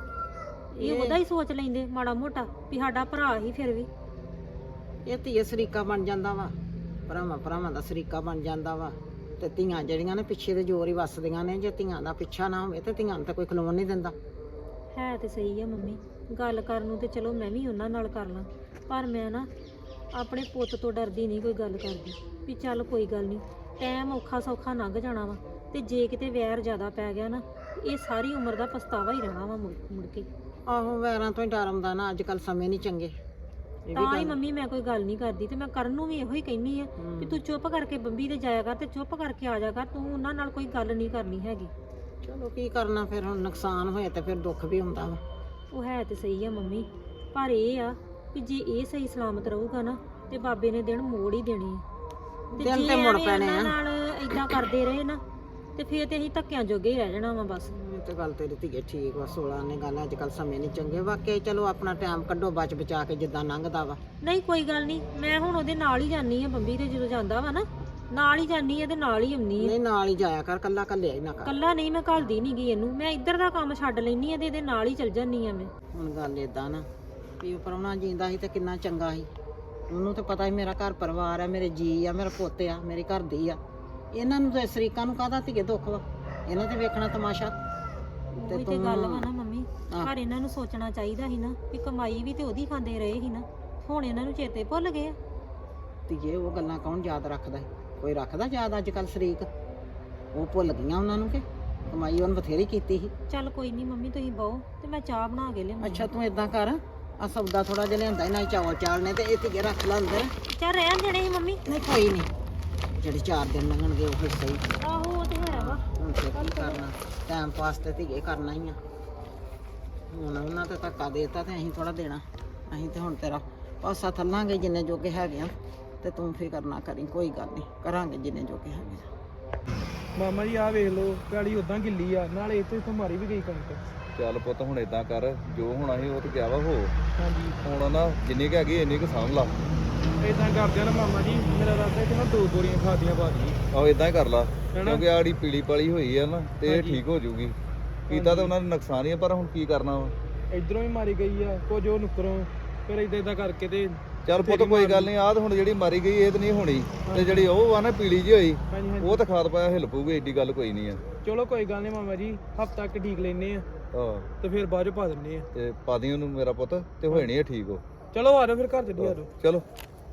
ਇਹ ਉਹਦਾ ਹੀ ਸੋਚ ਲੈਂਦੇ ਮਾੜਾ ਮੋਟਾ ਵੀ ਸਾਡਾ ਭਰਾ ਹੀ ਫਿਰ ਵੀ। ਇਹ ਧੀਏ ਸਰੀਕਾ ਬਣ ਜਾਂਦਾ ਵਾ, ਭਰਾਵਾਂ ਦਾ ਸਰੀਕਾ ਬਣ ਜਾਂਦਾ ਵਾ। ਤੇ ਧੀਆਂ ਜਿਹੜੀਆਂ ਨੇ ਪਿੱਛੇ ਦੇ ਜ਼ੋਰ ਹੀ ਵੱਸਦੀਆਂ ਨੇ, ਜੇ ਧੀਆਂ ਦਾ ਪਿੱਛਾ ਨਾ ਹੋਵੇ ਤੇ ਧੀਆਂ ਨੂੰ ਤਾਂ ਕੋਈ ਖਲੋਣ ਨਹੀਂ ਦਿੰਦਾ। ਹੈ ਤੇ ਸਹੀ ਆ ਮੰਮੀ, ਗੱਲ ਕਰਨ ਨੂੰ ਤੇ ਚਲੋ ਮੈਂ ਵੀ ਉਹਨਾਂ ਨਾਲ ਕਰ ਲਾਂ, ਪਰ ਮੈਂ ਨਾ ਆਪਣੇ ਪੁੱਤ ਤੋਂ ਡਰਦੀ ਨਹੀਂ ਕੋਈ ਗੱਲ ਕਰਦੀ ਵੀ ਚੱਲ ਕੋਈ ਗੱਲ ਨਹੀਂ, ਟਾਈਮ ਔਖਾ ਸੌਖਾ ਲੰਘ ਜਾਣਾ ਵਾ। ਤੇ ਜੇ ਕਿਤੇ ਵੈਰ ਜ਼ਿਆਦਾ ਪੈ ਗਿਆ ਨਾ, ਇਹ ਸਾਰੀ ਉਮਰ ਦਾ ਪਛਤਾਵਾ ਹੀ ਰਹਿਣਾ ਵਾ ਮੁੜ ਕੇ। ਆਹੋ, ਵੈਰਾਂ ਤੋਂ ਹੀ ਡਰ ਆਉਂਦਾ ਨਾ, ਅੱਜ ਕੱਲ ਸਮੇਂ ਨਹੀਂ ਚੰਗੇ। ਇਹ ਵੀ ਤਾਂ ਹੀ ਗੱਲ। ਮੰਮੀ ਮੈਂ ਕੋਈ ਗੱਲ ਨਹੀਂ ਕਰਦੀ, ਤੇ ਮੈਂ ਕਰਨ ਨੂੰ ਵੀ ਇਹੋ ਹੀ ਕਹਿੰਨੀ ਆ ਵੀ ਤੂੰ ਚੁੱਪ ਕਰਕੇ ਬੰਬੀ ਤੇ ਜਾਇਆ ਕਰ ਤੇ ਚੁੱਪ ਕਰਕੇ ਆ ਜਾ ਕਰ, ਤੂੰ ਉਹਨਾਂ ਨਾਲ ਕੋਈ ਗੱਲ ਨਹੀਂ ਕਰਨੀ ਹੈਗੀ। ਚਲੋ ਕੀ ਕਰਨਾ ਫਿਰ, ਹੁਣ ਨੁਕਸਾਨ ਹੋਏ ਤੇ ਫਿਰ ਦੁੱਖ ਵੀ ਹੁੰਦਾ ਵਾ। ਉਹ ਹੈ ਤੇ ਸਹੀ ਆ ਮੰਮੀ, ਪਰ ਇਹ ਆ ਕਿ ਜੇ ਇਹ ਸਹੀ ਸਲਾਮਤ ਰਹੂਗਾ ਨਾ ਤੇ ਬਾਬੇ ਨੇ ਦਿਨ ਮੋੜ ਹੀ ਦੇਣੇ ਆ। ਤੇ ਦਿਨ ਜੇ ਤੇ ਮੁੜ ਐਵੇਂ ਪੈਣੇ ਇਹਨਾਂ ਆ। ਨਾਲ ਇਦਾਂ ਕਰਦੇ ਰਹੇ ਨਾ ਤੇ ਫੇਰ ਤੇ ਅਸੀਂ ਧੱਕਿਆਂ ਜੋਗੇ ਹੀ ਰਹਿ ਜਾਣਾ ਵਾ ਬਸ। ਇਹ ਤੇ ਗੱਲ ਤੇਰੀ ਧੀਏ ਠੀਕ ਵਾ, 16 ਨੇ ਗੱਲ, ਅੱਜ ਕੱਲ ਸਮੇਂ ਨਹੀਂ ਚੰਗੇ ਵਾਕਈ। ਚਲੋ ਆਪਣਾ ਟਾਈਮ ਕੱਢੋ ਬਚ ਬਚਾ ਕੇ ਜਿੱਦਾਂ ਲੰਘਦਾ ਵਾ। ਨਹੀਂ ਕੋਈ ਗੱਲ ਨਹੀਂ, ਮੈਂ ਹੁਣ ਉਹਦੇ ਨਾਲ ਹੀ ਜਾਨੀ ਆ ਬੰਬੀ ਤੇ, ਜਦੋਂ ਜਾਂਦਾ ਵਾ ਨਾ ਨਾਲ ਹੀ ਜਾਨੀ ਆ ਤੇ ਨਾਲ ਹੀ ਆਉਣੀ ਆ। ਨਹੀਂ ਨਾਲ ਹੀ ਜਾਇਆ ਕਰ, ਕੱਲਾ ਕੱਲਿਆ ਹੀ ਨਾ ਕਰ। ਕੱਲਾ ਨਹੀਂ ਮੈਂ ਘੱਲਦੀ ਨਹੀਂ ਗਈ ਇਹਨੂੰ, ਮੈਂ ਇੱਧਰ ਦਾ ਕੰਮ ਛੱਡ ਲੈਣੀ ਆ ਤੇ ਇਹਦੇ ਨਾਲ ਹੀ ਚਲ ਜਾਨੀ ਆ ਮੈਂ। ਹੁਣ ਗੱਲ ਏਦਾਂ ਨਾ ਵੀ ਉਹ ਪ੍ਰਾਹੁਣਾ ਜਿੰਦਾ ਸੀ ਤੇ ਕਿੰਨਾ ਚੰਗਾ ਸੀ, ਉਹਨੂੰ ਤਾਂ ਪਤਾ ਸੀ ਮੇਰਾ ਘਰ ਪਰਿਵਾਰ ਆ, ਮੇਰੇ ਜੀ ਆ, ਮੇਰਾ ਪੁੱਤ ਆ, ਮੇਰੇ ਘਰ ਦੀ ਆ। ਇਹਨਾਂ ਨੂੰ ਤੇ ਸ਼ਰੀਕਾਂ ਨੂੰ ਕਾਹਦਾ ਧੀਏ ਦੁੱਖ ਵਾ, ਇਹਨਾਂ ਤੇ ਵੇਖਣਾ ਤਮਾਸ਼ਾ। ਉਹੀ ਤੇ ਗੱਲ ਵਾ ਨਾ ਮੰਮੀ, ਪਰ ਇਹਨਾਂ ਨੂੰ ਸੋਚਣਾ ਚਾਹੀਦਾ ਸੀ ਨਾ ਵੀ ਕਮਾਈ ਵੀ ਤੇ ਉਹਦੀ ਖਾਂਦੇ ਰਹੇ ਸੀ ਨਾ, ਹੁਣ ਇਹਨਾਂ ਨੂੰ ਚੇਤੇ ਭੁੱਲ ਗਏ ਆ। ਧੀਏ ਉਹ ਗੱਲਾਂ ਕੌਣ ਯਾਦ ਰੱਖਦਾ ਹੈ? ਕੋਈ ਰੱਖਦਾ ਯਾਦ ਅੱਜ ਕੱਲ ਸ਼ਰੀਕ? ਉਹ ਭੁੱਲ ਗਈਆਂ ਉਹਨਾਂ ਨੂੰ ਕਿ ਕਮਾਈ ਉਹਨ ਬਥੇਰੀ ਕੀਤੀ ਸੀ। ਚੱਲ ਕੋਈ ਨਹੀਂ ਮੰਮੀ, ਤੁਸੀਂ ਬਹੁ ਤੇ ਮੈਂ ਚਾਹ ਬਣਾ ਕੇ ਲਿਆਉਂਦੀ। ਅੱਛਾ ਤੂੰ ਏਦਾਂ ਕਰ, ਆ ਸੌਦਾ ਥੋੜਾ ਜਿਹਾ ਲਿਆਂਦਾ ਇਹਨਾਂ ਚਾਵਲ ਚਾਲਨੇ ਤੇ ਇਹ ਧੀਏ ਰੱਖ ਲੈ ਅੰਦਰ। ਚੱਲ ਰਹਿਣ ਦੇਣੇ ਸੀ ਮੰਮੀ। ਨਹੀਂ ਕੋਈ ਨਹੀਂ, ਜਿਹੜੇ 4 ਦਿਨ ਲੰਘਣਗੇ ਉਹ ਸਹੀ। ਆਹੋ ਉਹ ਤੇ ਹੈ ਵਾ। ਹੁਣ ਤੇ ਕੀ ਕਰਨਾ, ਟਾਈਮ ਪਾਸ ਤੇ ਧੀਏ ਕਰਨਾ ਹੀ ਆ। ਹੁਣ ਉਹਨਾਂ ਤੇ ਧੱਕਾ ਦੇਤਾ ਤੇ ਅਸੀਂ ਥੋੜਾ ਦੇਣਾ, ਅਸੀਂ ਤੇ ਹੁਣ ਤੇਰਾ ਪਾਸਾ ਥੱਲਾਂਗੇ ਜਿੰਨੇ ਜੋਗੇ ਹੈਗੇ ਆ। ਤੇ ਤੂੰ ਫਿਕਰ ਨਾ ਕਰੀ, ਕੋਈ ਗੱਲ ਨਹੀਂ, ਕਰਾਂਗੇ ਜਿੰਨੇ ਜੋਗੇ ਹੈਗੇ ਆ। ਮਾਮਾ ਜੀ ਆਹ ਵੇਖ ਲਓ, ਪੈਲੀ ਉਦਾਂ ਗਿੱਲੀ ਆ, ਨਾਲੇ ਇੱਥੇ ਤੋਂ ਮਾਰੀ ਵੀ ਗਈ ਕਣਕ। ਚੱਲ ਪੁੱਤ ਹੁਣ ਇਦਾਂ ਕਰ, ਜੋ ਹੋਣਾ ਸੀ ਉਹ ਤੇ ਗਿਆ ਵਾ ਹੋ। ਹਾਂਜੀ ਹੁਣ ਨਾ ਜਿੰਨੀ ਕੁ ਹੈਗੀ ਇੰਨੀ ਕੁ ਸਾਂਭ ਲਾ। ਇਦਾਂ ਕਰਦੇ ਆ ਨਾ ਮਾਮਾ ਜੀ, ਮੇਰਾ ਰਾਤਾ ਕਿ ਨਾ 2 ਬੋਰੀਆਂ ਖਾਦੀਆਂ ਪਾ ਦੀ। ਆਹੋ ਇਦਾਂ ਹੀ ਕਰ ਲਾ, ਹੈਨਾ? ਕਿਉਂਕਿ ਆੜੀ ਪੀਲੀ ਪਾਲੀ ਹੋਈ ਆ ਨਾ ਤੇ ਇਹ ਹਾਂਜੀ। ਠੀਕ ਹੋ ਜੂਗੀ। ਕੀਤਾ ਤਾਂ ਉਹਨਾਂ ਨੇ ਨੁਕਸਾਨ ਹੀ ਆ, ਪਰ ਹੁਣ ਕੀ ਕਰਨਾ ਵਾ। ਇਧਰੋਂ ਵੀ ਮਾਰੀ ਗਈ ਆ, ਕੁਝ ਉਹ ਨੁਕਰੋਂ, ਫਿਰ ਇਦਾਂ ਕਰਕੇ ਤੇ ਚੱਲ ਪੁੱਤ ਕੋਈ ਗੱਲ ਨਹੀਂ, ਆਹ ਤਾਂ ਹੁਣ ਜਿਹੜੀ ਮਾਰੀ ਗਈ ਇਹ ਤਾਂ ਨਹੀਂ ਹੋਣੀ, ਤੇ ਜਿਹੜੀ ਉਹ ਆ ਨਾ ਪੀਲੀ ਜਿਹੀ ਹੋਈ ਹਾਂਜੀ ਹਾਂਜੀ ਉਹ ਤਾਂ ਖਾਦ ਪਾਇਆ ਹਿੱਲ ਪਊਗੀ, ਏਡੀ ਗੱਲ ਕੋਈ ਨਹੀਂ ਆ। ਚਲੋ ਕੋਈ ਗੱਲ ਨਹੀਂ ਮਾਮਾ ਜੀ, ਹਫ਼ਤਾ ਤੱਕ ਠੀਕ ਲੈਨੇ ਆ ਆਹ ਤੇ ਫਿਰ ਬਾਅਦ ਚ ਪਾ ਦਿੰਨੇ ਆ। ਤੇ ਪਾ ਦੀ ਉਹਨੂੰ ਮੇਰਾ ਪੁੱਤ, ਤੇ ਹੋਏ ਨਹੀਂ ਠੀਕ ਉਹ। ਚਲੋ ਆ ਜਾਓ ਫਿਰ ਘਰ ਚੱਲੀ ਆ ਜਾਓ। ਚਲੋ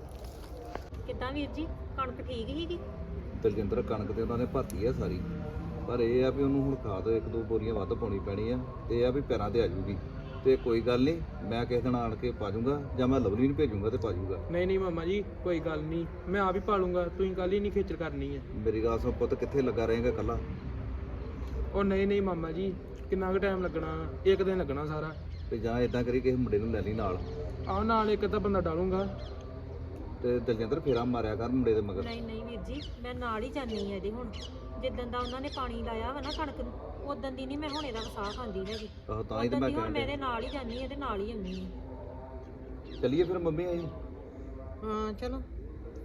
ਕਿੱਦਾਂ ਵੀਰ ਜੀ, ਕਣਕ ਠੀਕ ਸੀਗੀ? ਦਲਜਿੰਦਰ ਕਣਕ ਤੇ ਉਹਨਾਂ ਨੇ ਭਰਤੀ ਆ ਸਾਰੀ, ਪਰ ਇਹ ਆ ਵੀ ਉਹਨੂੰ ਹੁਣ ਖਾਦ 1-2 ਬੋਰੀਆਂ ਵੱਧ ਪਾਉਣੀ ਪੈਣੀ ਆ, ਤੇ ਇਹ ਆ ਵੀ ਪੈਰਾਂ ਤੇ ਆ ਜੂਗੀ। ਤੇ ਕੋਈ ਗੱਲ ਨਹੀਂ, ਮੈਂ ਕਿਸੇ ਦਿਨ ਆਣ ਕੇ ਪਾ ਜੂੰਗਾ, ਜਾਂ ਮੈਂ ਲਵਲੀ ਨੂੰ ਭੇਜੂੰਗਾ ਤੇ ਪਾ ਜੂਗਾ। ਨਹੀਂ ਮਾਮਾ ਜੀ ਕੋਈ ਗੱਲ ਨਹੀਂ, ਮੈਂ ਆਪ ਹੀ ਪਾ ਲੂੰਗਾ, ਤੁਸੀਂ ਕੱਲ ਹੀ ਨਹੀਂ ਖੇਚਲ ਕਰਨੀ ਹੈ। ਮੇਰੀ ਗੱਲ ਸੁਣ ਪੁੱਤ, ਕਿੱਥੇ ਲੱਗਾ ਰਹੇਗਾ ਕੱਲਾ? ਉਹ ਨਹੀਂ ਮਾਮਾ ਜੀ, ਕਿੰਨਾ ਕੁ ਟਾਈਮ ਲੱਗਣਾ, 1 ਦਿਨ ਲੱਗਣਾ ਸਾਰਾ। ਤੇ ਜਾਂ ਇਦਾਂ ਕਰੀ ਕਿਸੇ ਮੁੰਡੇ ਨੂੰ ਲੈ ਲਈ ਨਾਲ, ਆਹ ਨਾਲ ਇੱਕ ਅੱਧਾ ਬੰਦਾ ਡਾਲੂੰਗਾ। ਤੇ ਦਲਜਿੰਦਰ ਫੇਰਾ ਮਾਰਿਆ ਕਰ ਮੁੰਡੇ ਦੇ ਮਗਰ। ਨਹੀਂ ਨਹੀਂ ਵੀਰ ਜੀ, ਮੈਂ ਨਾਲ ਹੀ ਜਾਨੀ ਆ ਇਹਦੇ। ਹੁਣ ਜਿੱਦਣ ਦਾ ਉਹਨਾਂ ਨੇ ਪਾਣੀ ਲਾਇਆ ਵਾ ਨਾ ਕਣਕ ਨੂੰ, ਉਦੋਂ ਦੀ ਨਹੀਂ ਮੈਂ ਹੁਣ ਇਹਦਾ ਵਸਾਹ ਖਾਂਦੀ ਹੈਗੀ। ਆਹੋ ਤਾਂ ਹੀ ਤੇ ਉਦੋਂ ਮੈਂ ਦੀ ਹੁਣ ਕਹਿੰਦਾ ਮੈਂ ਇਹਦੇ ਨਾਲ ਹੀ ਜਾਨੀ ਆ ਤੇ ਨਾਲ ਹੀ ਆਉਣੀ ਆ। ਚੱਲੀਏ ਫਿਰ ਮੰਮੀ ਆਈ। ਹਾਂ ਚਲੋ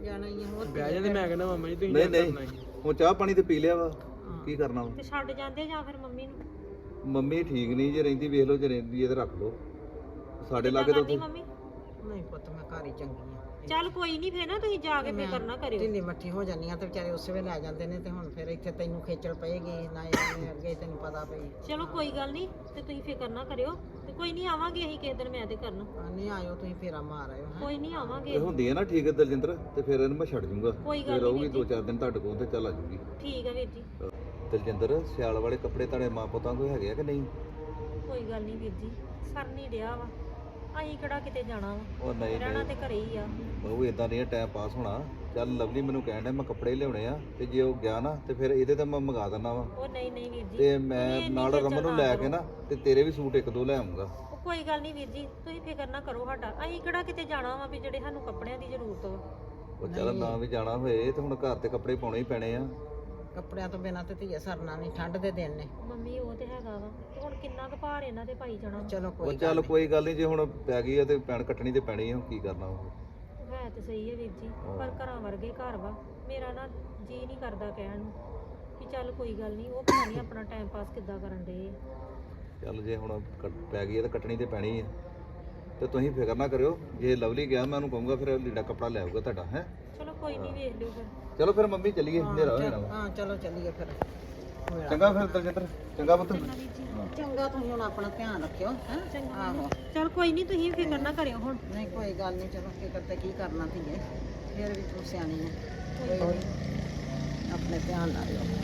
ਜਾਣਾ ਹੀ ਆ ਹੋਰ ਬਹਿ ਜਾਂਦੇ ਮੈਂ ਕਹਿੰਦਾ ਮਾਮਾ ਜੀ ਤੁਸੀਂ ਨਹੀਂ ਜਾ ਕਰਨਾ ਨਹੀਂ ਸੀ। ਹੁਣ ਚਾਹ ਪਾਣੀ ਤੇ ਪੀ ਲਿਆ ਵਾ ਕੀ ਕਰਨਾ ਵਾ ਤੇ ਛੱਡ ਜਾਂਦੇ ਜਾਂ ਫਿਰ ਮੰਮੀ ਨੂੰ ਮੰਮੀ ਠੀਕ ਨਹੀਂ ਜੇ ਰਹਿੰਦੀ ਵੇਖ ਲਓ ਜੇ ਰਹਿੰਦੀ ਹੈ ਤੇ ਰੱਖ ਲਓ ਸਾਡੇ ਲਾਗੇ ਤਾਂ ਕਰਦੀ ਮੰਮੀ ਨਹੀਂ ਪੁੱਤ ਮੈਂ ਘਰ ਹੀ ਚੰਗੀ ਆ ਚੱਲ ਕੋਈ ਨਹੀਂ ਫੇਰ ਨਾ ਤੁਸੀਂ ਜਾ ਕੇ ਫਿਕਰ ਨਾ ਕਰਿਓ ਢਿੱਲੀ ਮੱਠੀ ਹੋ ਜਾਂਦੀ ਆ ਤੇ ਵਿਚਾਰੇ ਉਸੇ ਵੇਲੇ ਲੈ ਜਾਂਦੇ ਨੇ ਤੇ ਹੁਣ ਫਿਰ ਇੱਥੇ ਤੈਨੂੰ ਖੇਚਲ ਪਏਗੀ ਨਾ ਇਹਨੇ ਅੱਗੇ ਤੈਨੂੰ ਪਤਾ ਪਈ ਚਲੋ ਕੋਈ ਗੱਲ ਨਹੀਂ ਤੇ ਤੁਸੀਂ ਫਿਕਰ ਨਾ ਕਰਿਓ ਤੇ ਕੋਈ ਨਹੀਂ ਆਵਾਂਗੇ ਅਸੀਂ ਕਿਸੇ ਦਿਨ ਮੈਂ ਤੇ ਕਰਨ ਨਹੀਂ ਆਇਓ ਤੁਸੀਂ ਫੇਰਾ ਮਾਰ ਆਇਓ ਹੈਂ। ਕੋਈ ਨਹੀਂ ਆਵਾਂਗੇ ਇਹ ਹੁੰਦੀ ਹੈ ਨਾ ਠੀਕ ਹੈ ਦਲਜਿੰਦਰ ਤੇ ਫਿਰ ਇਹਨੂੰ ਮੈਂ ਛੱਡ ਜੂੰਗਾ ਕੋਈ ਗੱਲ ਜੇ ਨੀ ਰਹੂਗੀ ਵੀਰ ਜੀ। 2-4 ਦਿਨ ਤੁਹਾਡੇ ਕੋਲ ਤੇ ਚੱਲ ਆ ਜੂਗੀ ਠੀਕ ਆ ਵੀਰ ਜੀ ਦਲਜਿੰਦਰ ਸਿਆਲ ਵਾਲੇ ਕੱਪੜੇ ਤੁਹਾਡੇ ਮਾਂ ਪੁੱਤਾਂ ਕੋਲ ਹੈਗੇ ਆ ਕਿ ਨਹੀਂ ਕੋਈ ਗੱਲ ਨਹੀਂ ਵੀਰ ਜੀ ਸਰ ਨਹੀਂ ਡਿਆ ਵਾ ਅਸੀਂ ਕਿਹੜਾ ਕਿਤੇ ਜਾਣਾ ਵਾ ਉਹ ਨਹੀਂ ਰਹਿਣਾ ਨਹੀਂ ਤੇ ਘਰੇ ਹੀ ਆ ਬਹੁ ਇਦਾਂ ਨਹੀਂ ਟਾਈਮ ਪਾਸ ਹੋਣਾ ਚੱਲ ਲਵਲੀ ਮੈਨੂੰ ਕਹਿਣ ਡਿਆ ਮੈਂ ਕੱਪੜੇ ਲਿਆਉਣੇ ਆ ਤੇ ਜੇ ਉਹ ਗਿਆ ਨਾ ਤੇ ਫਿਰ ਇਹਦੇ ਤੇ ਮੈਂ ਮੰਗਾ ਦਿੰਦਾ ਵਾ ਉਹ ਨਹੀਂ ਨਹੀਂ ਵੀਰ ਜੀ ਤੇ ਤੁਸੀਂ ਮੈਂ ਇੰਨੀ ਨਾਲ ਖੇਚਲ ਰਮਨ ਨੂੰ ਨਾ ਲੈ ਕਰੋ। ਕੇ ਨਾ ਤੇ ਤੇਰੇ ਵੀ ਸੂਟ 1-2 ਲੈ ਆਉਂਗਾ ਉਹ ਕੋਈ ਗੱਲ ਨਹੀਂ ਵੀਰ ਜੀ ਤੁਸੀਂ ਫਿਕਰ ਨਾ ਕਰੋ ਸਾਡਾ ਅਸੀਂ ਕਿਹੜਾ ਕਿਤੇ ਜਾਣਾ ਵਾ ਵੀ ਜਿਹੜੇ ਸਾਨੂੰ ਕੱਪੜਿਆਂ ਦੀ ਜ਼ਰੂਰਤ ਵਾ ਉਹ ਚੱਲ ਨਾ ਵੀ ਜਾਣਾ ਹੋਏ ਤੇ ਹੁਣ ਘਰ ਤੇ ਕੱਪੜੇ ਪਾਉਣੇ ਹੀ ਪੈਣੇ ਆ ਕੱਪੜਿਆਂ ਤੋਂ ਬਿਨਾਂ ਤੇ ਧੀਏ ਸਰਨਾ ਨਹੀਂ ਠੰਡ ਦੇ ਦਿਨ ਨੇ ਮੰਮੀ ਉਹ ਤੇ ਹੈਗਾ ਵਾ ਤੇ ਹੁਣ ਕਿੰਨਾ ਕੁ ਭਾਰ ਇਹਨਾਂ ਦੇ ਪਾਈ ਜਾਣਾ ਵਾ। ਚਲੋ ਉਹ ਕੋਈ ਚੱਲ ਕੋਈ ਗੱਲ ਨਹੀਂ ਜੇ ਹੁਣ ਪੈ ਗਈ ਆ ਤੇ ਪੈਣ ਕੱਟਣੀ ਤੇ ਪੈਣੀ ਆ ਕੀ ਕਰਨਾ ਉਹ ਹੈ ਤੇ ਸਹੀ ਹੈ ਵੀਰ ਜੀ ਪਰ ਘਰਾਂ ਵਰਗੇ ਘਰ ਵਾ ਮੇਰਾ ਨਾ ਜੀ ਨਹੀਂ ਕਰਦਾ ਕਹਿਣ ਨੂੰ ਕਿ ਚੱਲ ਕੋਈ ਗੱਲ ਨਹੀਂ ਉਹ ਪਤਾ ਨਹੀਂ ਆਪਣਾ ਟਾਈਮ ਪਾਸ ਕਿੱਦਾਂ ਕਰਨ ਦੇ ਚੱਲ ਜੇ ਹੁਣ ਪੈ ਗਈ ਆ ਤੇ ਕੱਟਣੀ ਤੇ ਪੈਣੀ ਆ ਤੇ ਤੁਸੀਂ ਫਿਕਰ ਨਾ ਕਰਿਓ ਜੇ ਲਵਲੀ ਗਿਆ ਮੈਂ ਉਹਨੂੰ ਕਹੂੰਗਾ ਫਿਰ ਲੀੜਾ ਕੱਪੜਾ ਲੈ ਆਊਗਾ ਤੁਹਾਡਾ ਹੈ ਚਲੋ ਕੋਈ ਨਹੀਂ ਵੇਖ ਲਿਓ ਫਿਰ ਚਲੋ ਫਿਰ ਮੰਮੀ ਚੱਲੀਏ ਹਨੇਰਾ ਹੋ ਜਾਣਾ ਵਾ। ਹਾਂ ਚਲੋ ਚੱਲੀਏ ਫਿਰ ਚੰਗਾ ਫਿਰ ਦਲਜਿੰਦਰ ਚੰਗਾ ਪੁੱਤ ਚੰਗਾ ਤੁਸੀਂ ਹੁਣ ਆਪਣਾ ਧਿਆਨ ਰੱਖਿਓ ਹੈ ਆਹੋ ਚਲ ਕੋਈ ਨਹੀਂ ਤੁਸੀਂ ਫਿਕਰ ਨਾ ਕਰਿਓ ਹੁਣ ਨਹੀਂ ਕੋਈ ਗੱਲ ਨਹੀਂ ਚਲੋ ਫਿਕਰ ਤੇ ਕੀ ਕਰਨਾ ਧੀਏ ਫਿਰ ਵੀ ਤੂੰ ਸਿਆਣੀ ਹੈ ਕੋਈ ਨੀ। ਆਪਣੇ ਧਿਆਨ ਨਾਲ ਰਹੋ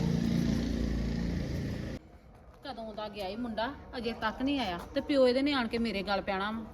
ਕਦੋਂ ਦਾ ਗਿਆ ਈ ਮੁੰਡਾ ਅਜੇ ਤੱਕ ਨਹੀਂ ਆਇਆ ਤੇ ਪਿਓ ਇਹਦੇ ਨੇ ਆਣ ਕੇ ਮੇਰੇ ਗੱਲ ਪੈਣਾ ਵਾ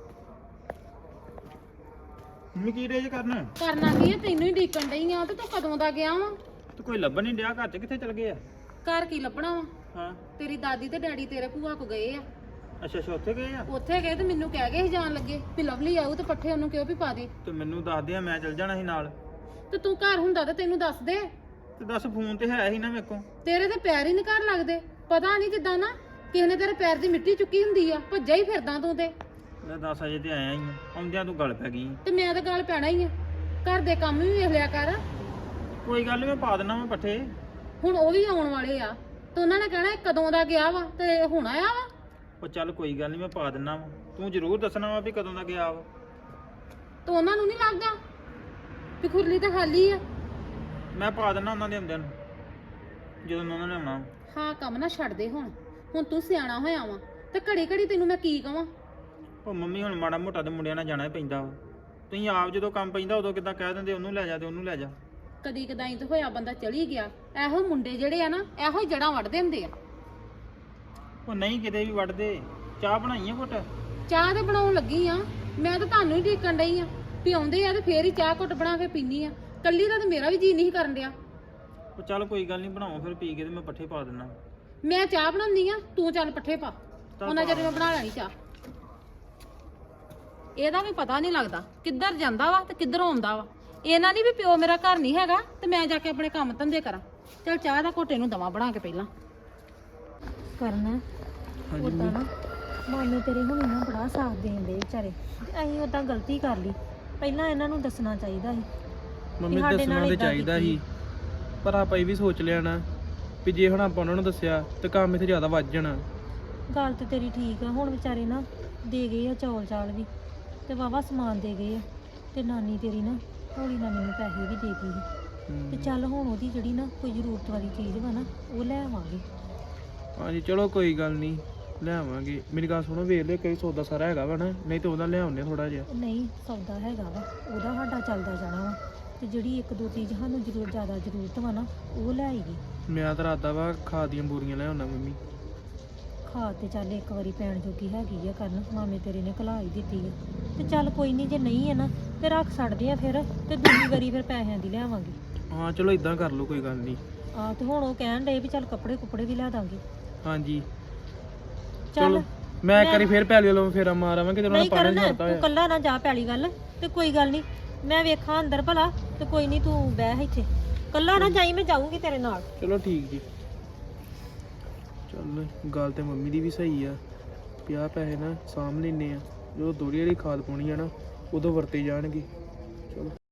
ਮੰਮੀ ਕੀ ਰੇਜ ਕਰਨ ਕਰਨਾ ਕੀ ਆ ਤੈਨੂੰ ਹੀ ਡੀਕਣ ਡਈ ਆ ਤੇ ਤੂੰ ਕਦੋਂ ਦਾ ਗਿਆ ਵਾ ਤੂੰ ਕੋਈ ਲੱਭਣ ਨਹੀਂ ਡਿਆ ਘਰ ਚ ਕਿੱਥੇ ਚਲ ਗਏ ਆ ਘਰ ਕੀ ਲੱਭਣਾ ਵਾ ਹਾਂ ਤੇਰੀ ਦਾਦੀ ਤੇ ਡੈਡੀ ਤੇਰੇ ਭੂਆ ਕੋ ਗਏ ਆ ਅੱਛਾ ਅੱਛਾ ਉੱਥੇ ਗਏ ਆ ਉੱਥੇ ਗਏ ਤੇ ਮੈਨੂੰ ਕਹਿ ਗਏ ਸੀ ਜਾਣ ਲੱਗੇ ਵੀ ਲਵਲੀ ਆਊ ਤੇ ਪੱਠੇ ਉਹਨੂੰ ਕਿਉਂ ਵੀ ਪਾ ਦੇ ਤੇ ਮੈਨੂੰ ਦੱਸ ਦੇ ਮੈਂ ਚਲ ਜਾਣਾ ਸੀ ਨਾਲ ਤੇ ਤੂੰ ਘਰ ਹੁੰਦਾ ਤੇ ਤੈਨੂੰ ਦੱਸ ਦੇ ਤੇ ਦੱਸ ਫੋਨ ਤੇ ਹੈ ਹੀ ਨਾ ਮੇਰੇ ਕੋਲ ਤੇਰੇ ਤੇ ਪੈਰ ਹੀ ਨੀ ਘਰ ਲੱਗਦੇ ਪਤਾ ਨਹੀਂ ਜਿੱਦਾਂ ਨਾ ਕਿਸੇ ਨੇ ਤੇਰੇ ਪੈਰ ਦੀ ਮਿੱਟੀ ਚੁੱਕੀ ਹੁੰਦੀ ਆ ਭੱਜਾ ਹੀ ਫਿਰਦਾ ਤੂੰ ਤੇ ਮੈਂ 10 ਵਜੇ ਤੇ ਆਇਆ ਹੀ ਆ ਆਉਂਦਿਆਂ ਤੂੰ ਗੱਲ ਪੈ ਗਈ ਤੇ ਮੈਂ ਤਾਂ ਗੱਲ ਪੈਣਾ ਹੀ ਆ ਘਰ ਦੇ ਕੰਮ ਵੀ ਵੇਖ ਲਿਆ ਕਰ ਕੋਈ ਗੱਲ ਨੀ ਮੈਂ ਪਾ ਦਿੰਦਾ ਮੈਂ ਪੱਠੇ ਹੁਣ ਉਹ ਵੀ ਆਉਣ ਵਾਲੇ ਆ ਤੇ ਉਹਨਾਂ ਨੇ ਕਹਿਣਾ ਇਹ ਕਦੋਂ ਦਾ ਗਿਆ ਵਾ ਤੇ ਹੁਣ ਆਇਆ ਵਾ ਉਹ ਚੱਲ ਕੋਈ ਗੱਲ ਨਹੀਂ ਮੈਂ ਪਾ ਦਿੰਦਾ ਵਾ ਤੂੰ ਜ਼ਰੂਰ ਦੱਸਣਾ ਵਾ ਵੀ ਕਦੋਂ ਦਾ ਗਿਆ ਵਾ ਤੇ ਉਹਨਾਂ ਨੂੰ ਨਹੀਂ ਲੱਗਦਾ ਵੀ ਖੁਰਲੀ ਤਾਂ ਖਾਲੀ ਆ ਮੈਂ ਪਾ ਦਿੰਦਾ ਉਹਨਾਂ ਦੇ ਆਉਂਦਿਆਂ ਨੂੰ ਜਦੋਂ ਉਹਨਾਂ ਨੇ ਆਉਣਾ ਹਾਂ ਕੰਮ ਨਾ ਛੱਡ ਦੇ ਹੁਣ ਤੂੰ ਸਿਆਣਾ ਹੋਇਆ ਵਾ ਤੇ ਘੜੀ ਘੜੀ ਤੈਨੂੰ ਮੈਂ ਕੀ ਕਵਾਂ ਉਹ ਮੰਮੀ ਹੁਣ ਮਾੜਾ ਮੋਟਾ ਤੇ ਮੁੰਡਿਆਂ ਨਾਲ ਜਾਣਾ ਹੀ ਪੈਂਦਾ ਵਾ ਤੁਸੀਂ ਆਪ ਜਦੋਂ ਕੰਮ ਪੈਂਦਾ ਉਦੋਂ ਕਿੱਦਾਂ ਕਹਿ ਦਿੰਦੇ ਉਹਨੂੰ ਲੈ ਜਾ ਤੇ ਉਹਨੂੰ ਲੈ ਜਾ ਕਦੀ ਕਦਾਈ ਤਾਂ ਹੋਇਆ ਬੰਦਾ ਚਲੀ ਗਿਆ ਇਹੋ ਮੁੰਡੇ ਜਿਹੜੇ ਆ ਨਾ ਇਹੋ ਹੀ ਜੜਾਂ ਵੱਢਦੇ ਹੁੰਦੇ ਆ ਉਹ ਨਹੀਂ ਕਿਤੇ ਵੀ ਵੜਦੇ ਚਾਹ ਬਣਾਈ ਆ ਘੁੱਟ ਚਾਹ ਤੇ ਬਣਾਉਣ ਲੱਗੀ ਆ ਮੈਂ ਤਾਂ ਤੁਹਾਨੂੰ ਹੀ ਢੀਕਣ ਡਈ ਆ ਵੀ ਆਉਂਦੇ ਆ ਤੇ ਫੇਰ ਹੀ ਚਾਹ ਘੁੱਟ ਬਣਾ ਕੇ ਪੀਨੀ ਆ ਕੱਲੀ ਦਾ ਤੇ ਮੇਰਾ ਵੀ ਜੀ ਨਹੀਂ ਕਰਨ ਡਿਆ ਉਹ ਚੱਲ ਕੋਈ ਗੱਲ ਨਹੀਂ ਬਣਾਓ ਫਿਰ ਪੀ ਕੇ ਤੇ ਮੈਂ ਪੱਠੇ ਪਾ ਦਿੰਦਾ ਮੈਂ ਚਾਹ ਬਣਾਉਣੀ ਆ ਤੂੰ ਚੱਲ ਪੱਠੇ ਪਾ ਉਹਨਾਂ ਚਿਰ ਮੈਂ ਬਣਾ ਲੈਣੀ ਚਾਹ ਇਹਦਾ ਵੀ ਪਤਾ ਨਹੀਂ ਲੱਗਦਾ ਕਿੱਧਰ ਜਾਂਦਾ ਵਾ ਤੇ ਕਿੱਧਰ ਆਉਂਦਾ ਵਾ ਇਹਨਾਂ ਨਹੀਂ ਵੀ ਪਿਓ ਮੇਰਾ ਘਰ ਨਹੀਂ ਹੈਗਾ ਤੇ ਮੈਂ ਜਾ ਕੇ ਆਪਣੇ ਕੰਮ ਧੰਦੇ ਕਰਾਂ ਚਲ ਚਾਹ ਦਾ ਘੋਟੇ ਨੂੰ ਦਵਾ ਬਣਾ ਕੇ ਪਹਿਲਾਂ ਕਰਨਾ ਉਦਾਂ ਨਾ ਮਾਮੇ ਤੇਰੇ ਹੁਣੀ ਨਾ ਬੜਾ ਸਾਥ ਦੇਣ ਦੇ ਵਿਚਾਰੇ ਤੇ ਅਸੀਂ ਉਦਾਂ ਗਲਤੀ ਕਰ ਲਈ ਪਹਿਲਾਂ ਇਹਨਾਂ ਨੂੰ ਦੱਸਣਾ ਚਾਹੀਦਾ ਸੀ ਮੰਮੀ ਸਾਡੇ ਨਾਲ ਦੱਸਣਾ ਤੇ ਏਦਾਂ ਚਾਹੀਦਾ ਕੀਤੀ। ਸੀ ਪਰ ਆਪਾਂ ਇਹ ਵੀ ਸੋਚ ਲਿਆ ਨਾ ਵੀ ਜੇ ਹੁਣ ਆਪਾਂ ਉਹਨਾਂ ਨੂੰ ਦੱਸਿਆ ਤੇ ਕੰਮ ਇੱਥੇ ਜ਼ਿਆਦਾ ਵੱਧ ਜਾਣਾ ਗੱਲ ਤੇ ਤੇਰੀ ਠੀਕ ਆ ਹੁਣ ਵਿਚਾਰੇ ਨਾ ਦੇ ਗਏ ਆ ਚੌਲ ਚਾਲ ਵੀ ਤੇ ਵਾਵਾ ਸਮਾਨ ਦੇ ਗਏ ਆ ਤੇ ਨਾਨੀ ਤੇਰੀ ਨਾ ਹੌਲੀ ਨਾਲ ਮੈਨੂੰ ਪੈਸੇ ਵੀ ਦੇ ਗਈ ਸੀ। ਤੇ ਚੱਲ ਹੁਣ ਉਹਦੀ ਜਿਹੜੀ ਨਾ ਕੋਈ ਜ਼ਰੂਰਤ ਵਾਲੀ ਚੀਜ਼ ਵਾ ਨਾ ਉਹ ਲੈ ਆਵਾਂਗੇ ਹਾਂਜੀ ਚਲੋ ਕੋਈ ਗੱਲ ਨਹੀਂ ਲੈ ਆਵਾਂਗੇ ਮੇਰੀ ਗੱਲ ਸੁਣੋ ਵੇਖ ਲਿਓ ਕਈ ਸੌਦਾ ਸਾਰਾ ਹੈਗਾ ਵਾ ਨਾ ਨਹੀਂ ਤੇ ਉਹਦਾ ਲੈ ਆਉਂਦੇ ਥੋੜਾ ਜਿਹਾ ਨਹੀਂ ਸੌਦਾ ਹੈਗਾ ਵਾ ਉਹਦਾ ਸਾਡਾ ਚੱਲਦਾ ਜਾਣਾ ਵਾ ਤੇ ਜਿਹੜੀ ਇੱਕ ਦੋ ਚੀਜ਼ ਸਾਨੂੰ ਜ਼ਿਆਦਾ ਜ਼ਰੂਰਤ ਵਾ ਨਾ ਉਹ ਲੈ ਆਈਏ ਮੈਂ ਤਾਂ ਰਾਦਾ ਵਾ ਖਾਦ ਦੀਆਂ ਬੋਰੀਆਂ ਲੈ ਆਉਣਾ ਮੰਮੀ ਖਾਦ ਤੇ ਚੱਲ ਇੱਕ ਵਾਰੀ ਪੈਣ ਜੋਗੀ ਹੈਗੀ ਆ ਕਰਨ ਮਾਮੇ ਤੇਰੇ ਨੇ ਘਲਾ ਹੀ ਦਿੱਤੀ ਆ ਤੇ ਚੱਲ ਕੋਈ ਨਹੀਂ ਜੇ ਨਹੀਂ ਹੈ ਨਾ ਤੇ ਰੱਖ ਛੱਡਦੇ ਆ ਫਿਰ ਤੇ ਦੂਜੀ ਵਾਰੀ ਫਿਰ ਪੈਸਿਆਂ ਦੀ ਲਿਆਵਾਂਗੇ ਹਾਂ ਚਲੋ ਇਦਾਂ ਕਰ ਲਓ ਕੋਈ ਗੱਲ ਨਹੀਂ ਆ ਤੇ ਹੁਣ ਉਹ ਕਹਿਣ ਡਏ ਵੀ ਚੱਲ ਕੱਪੜੇ ਕੁਪੜੇ ਵੀ ਲੈ ਦਾਂਗੇ ਹਾਂਜੀ ਚੱਲ ਚਲੋ ਮੈਂ ਇੱਕ ਵਾਰੀ ਫੇਰ ਪੈਲੀ ਵੱਲੋਂ ਫੇਰਾ ਮਾਰ ਆਵਾਂਗੇ ਤੇ ਉਹਨਾਂ ਨਹੀਂ ਨੇ ਪਾਣੀ ਕਰਨਾ ਛੱਡਤਾ ਤੂੰ ਕੱਲਾ ਨਾ ਜਾ ਪੈਲੀ ਗੱਲ ਤੇ ਕੋਈ ਗੱਲ ਨਹੀਂ ਮੈਂ ਵੇਖਾਂ ਅੰਦਰ ਭਲਾ ਤੇ ਕੋਈ ਨਹੀਂ ਤੂੰ ਬਹਿ ਇੱਥੇ ਕੱਲਾ ਨਾ ਜਾਈ ਮੈਂ ਜਾਊਂਗੀ ਤੇਰੇ ਨਾਲ ਚਲੋ ਠੀਕ ਜੀ ਚੱਲ ਗੱਲ ਤੇ ਮੰਮੀ ਦੀ ਵੀ ਸਹੀ ਆ 50 ਪੈਸੇ ਨਾ ਸਾਂਭ ਲੈਨੇ ਆ ਜਦੋਂ ਦੋੜੀ ਵਾਲੀ ਖਾਦ ਪਾਉਣੀ ਆ ਨਾ ਉਦੋਂ ਵਰਤੇ ਜਾਣਗੇ ਚਲੋ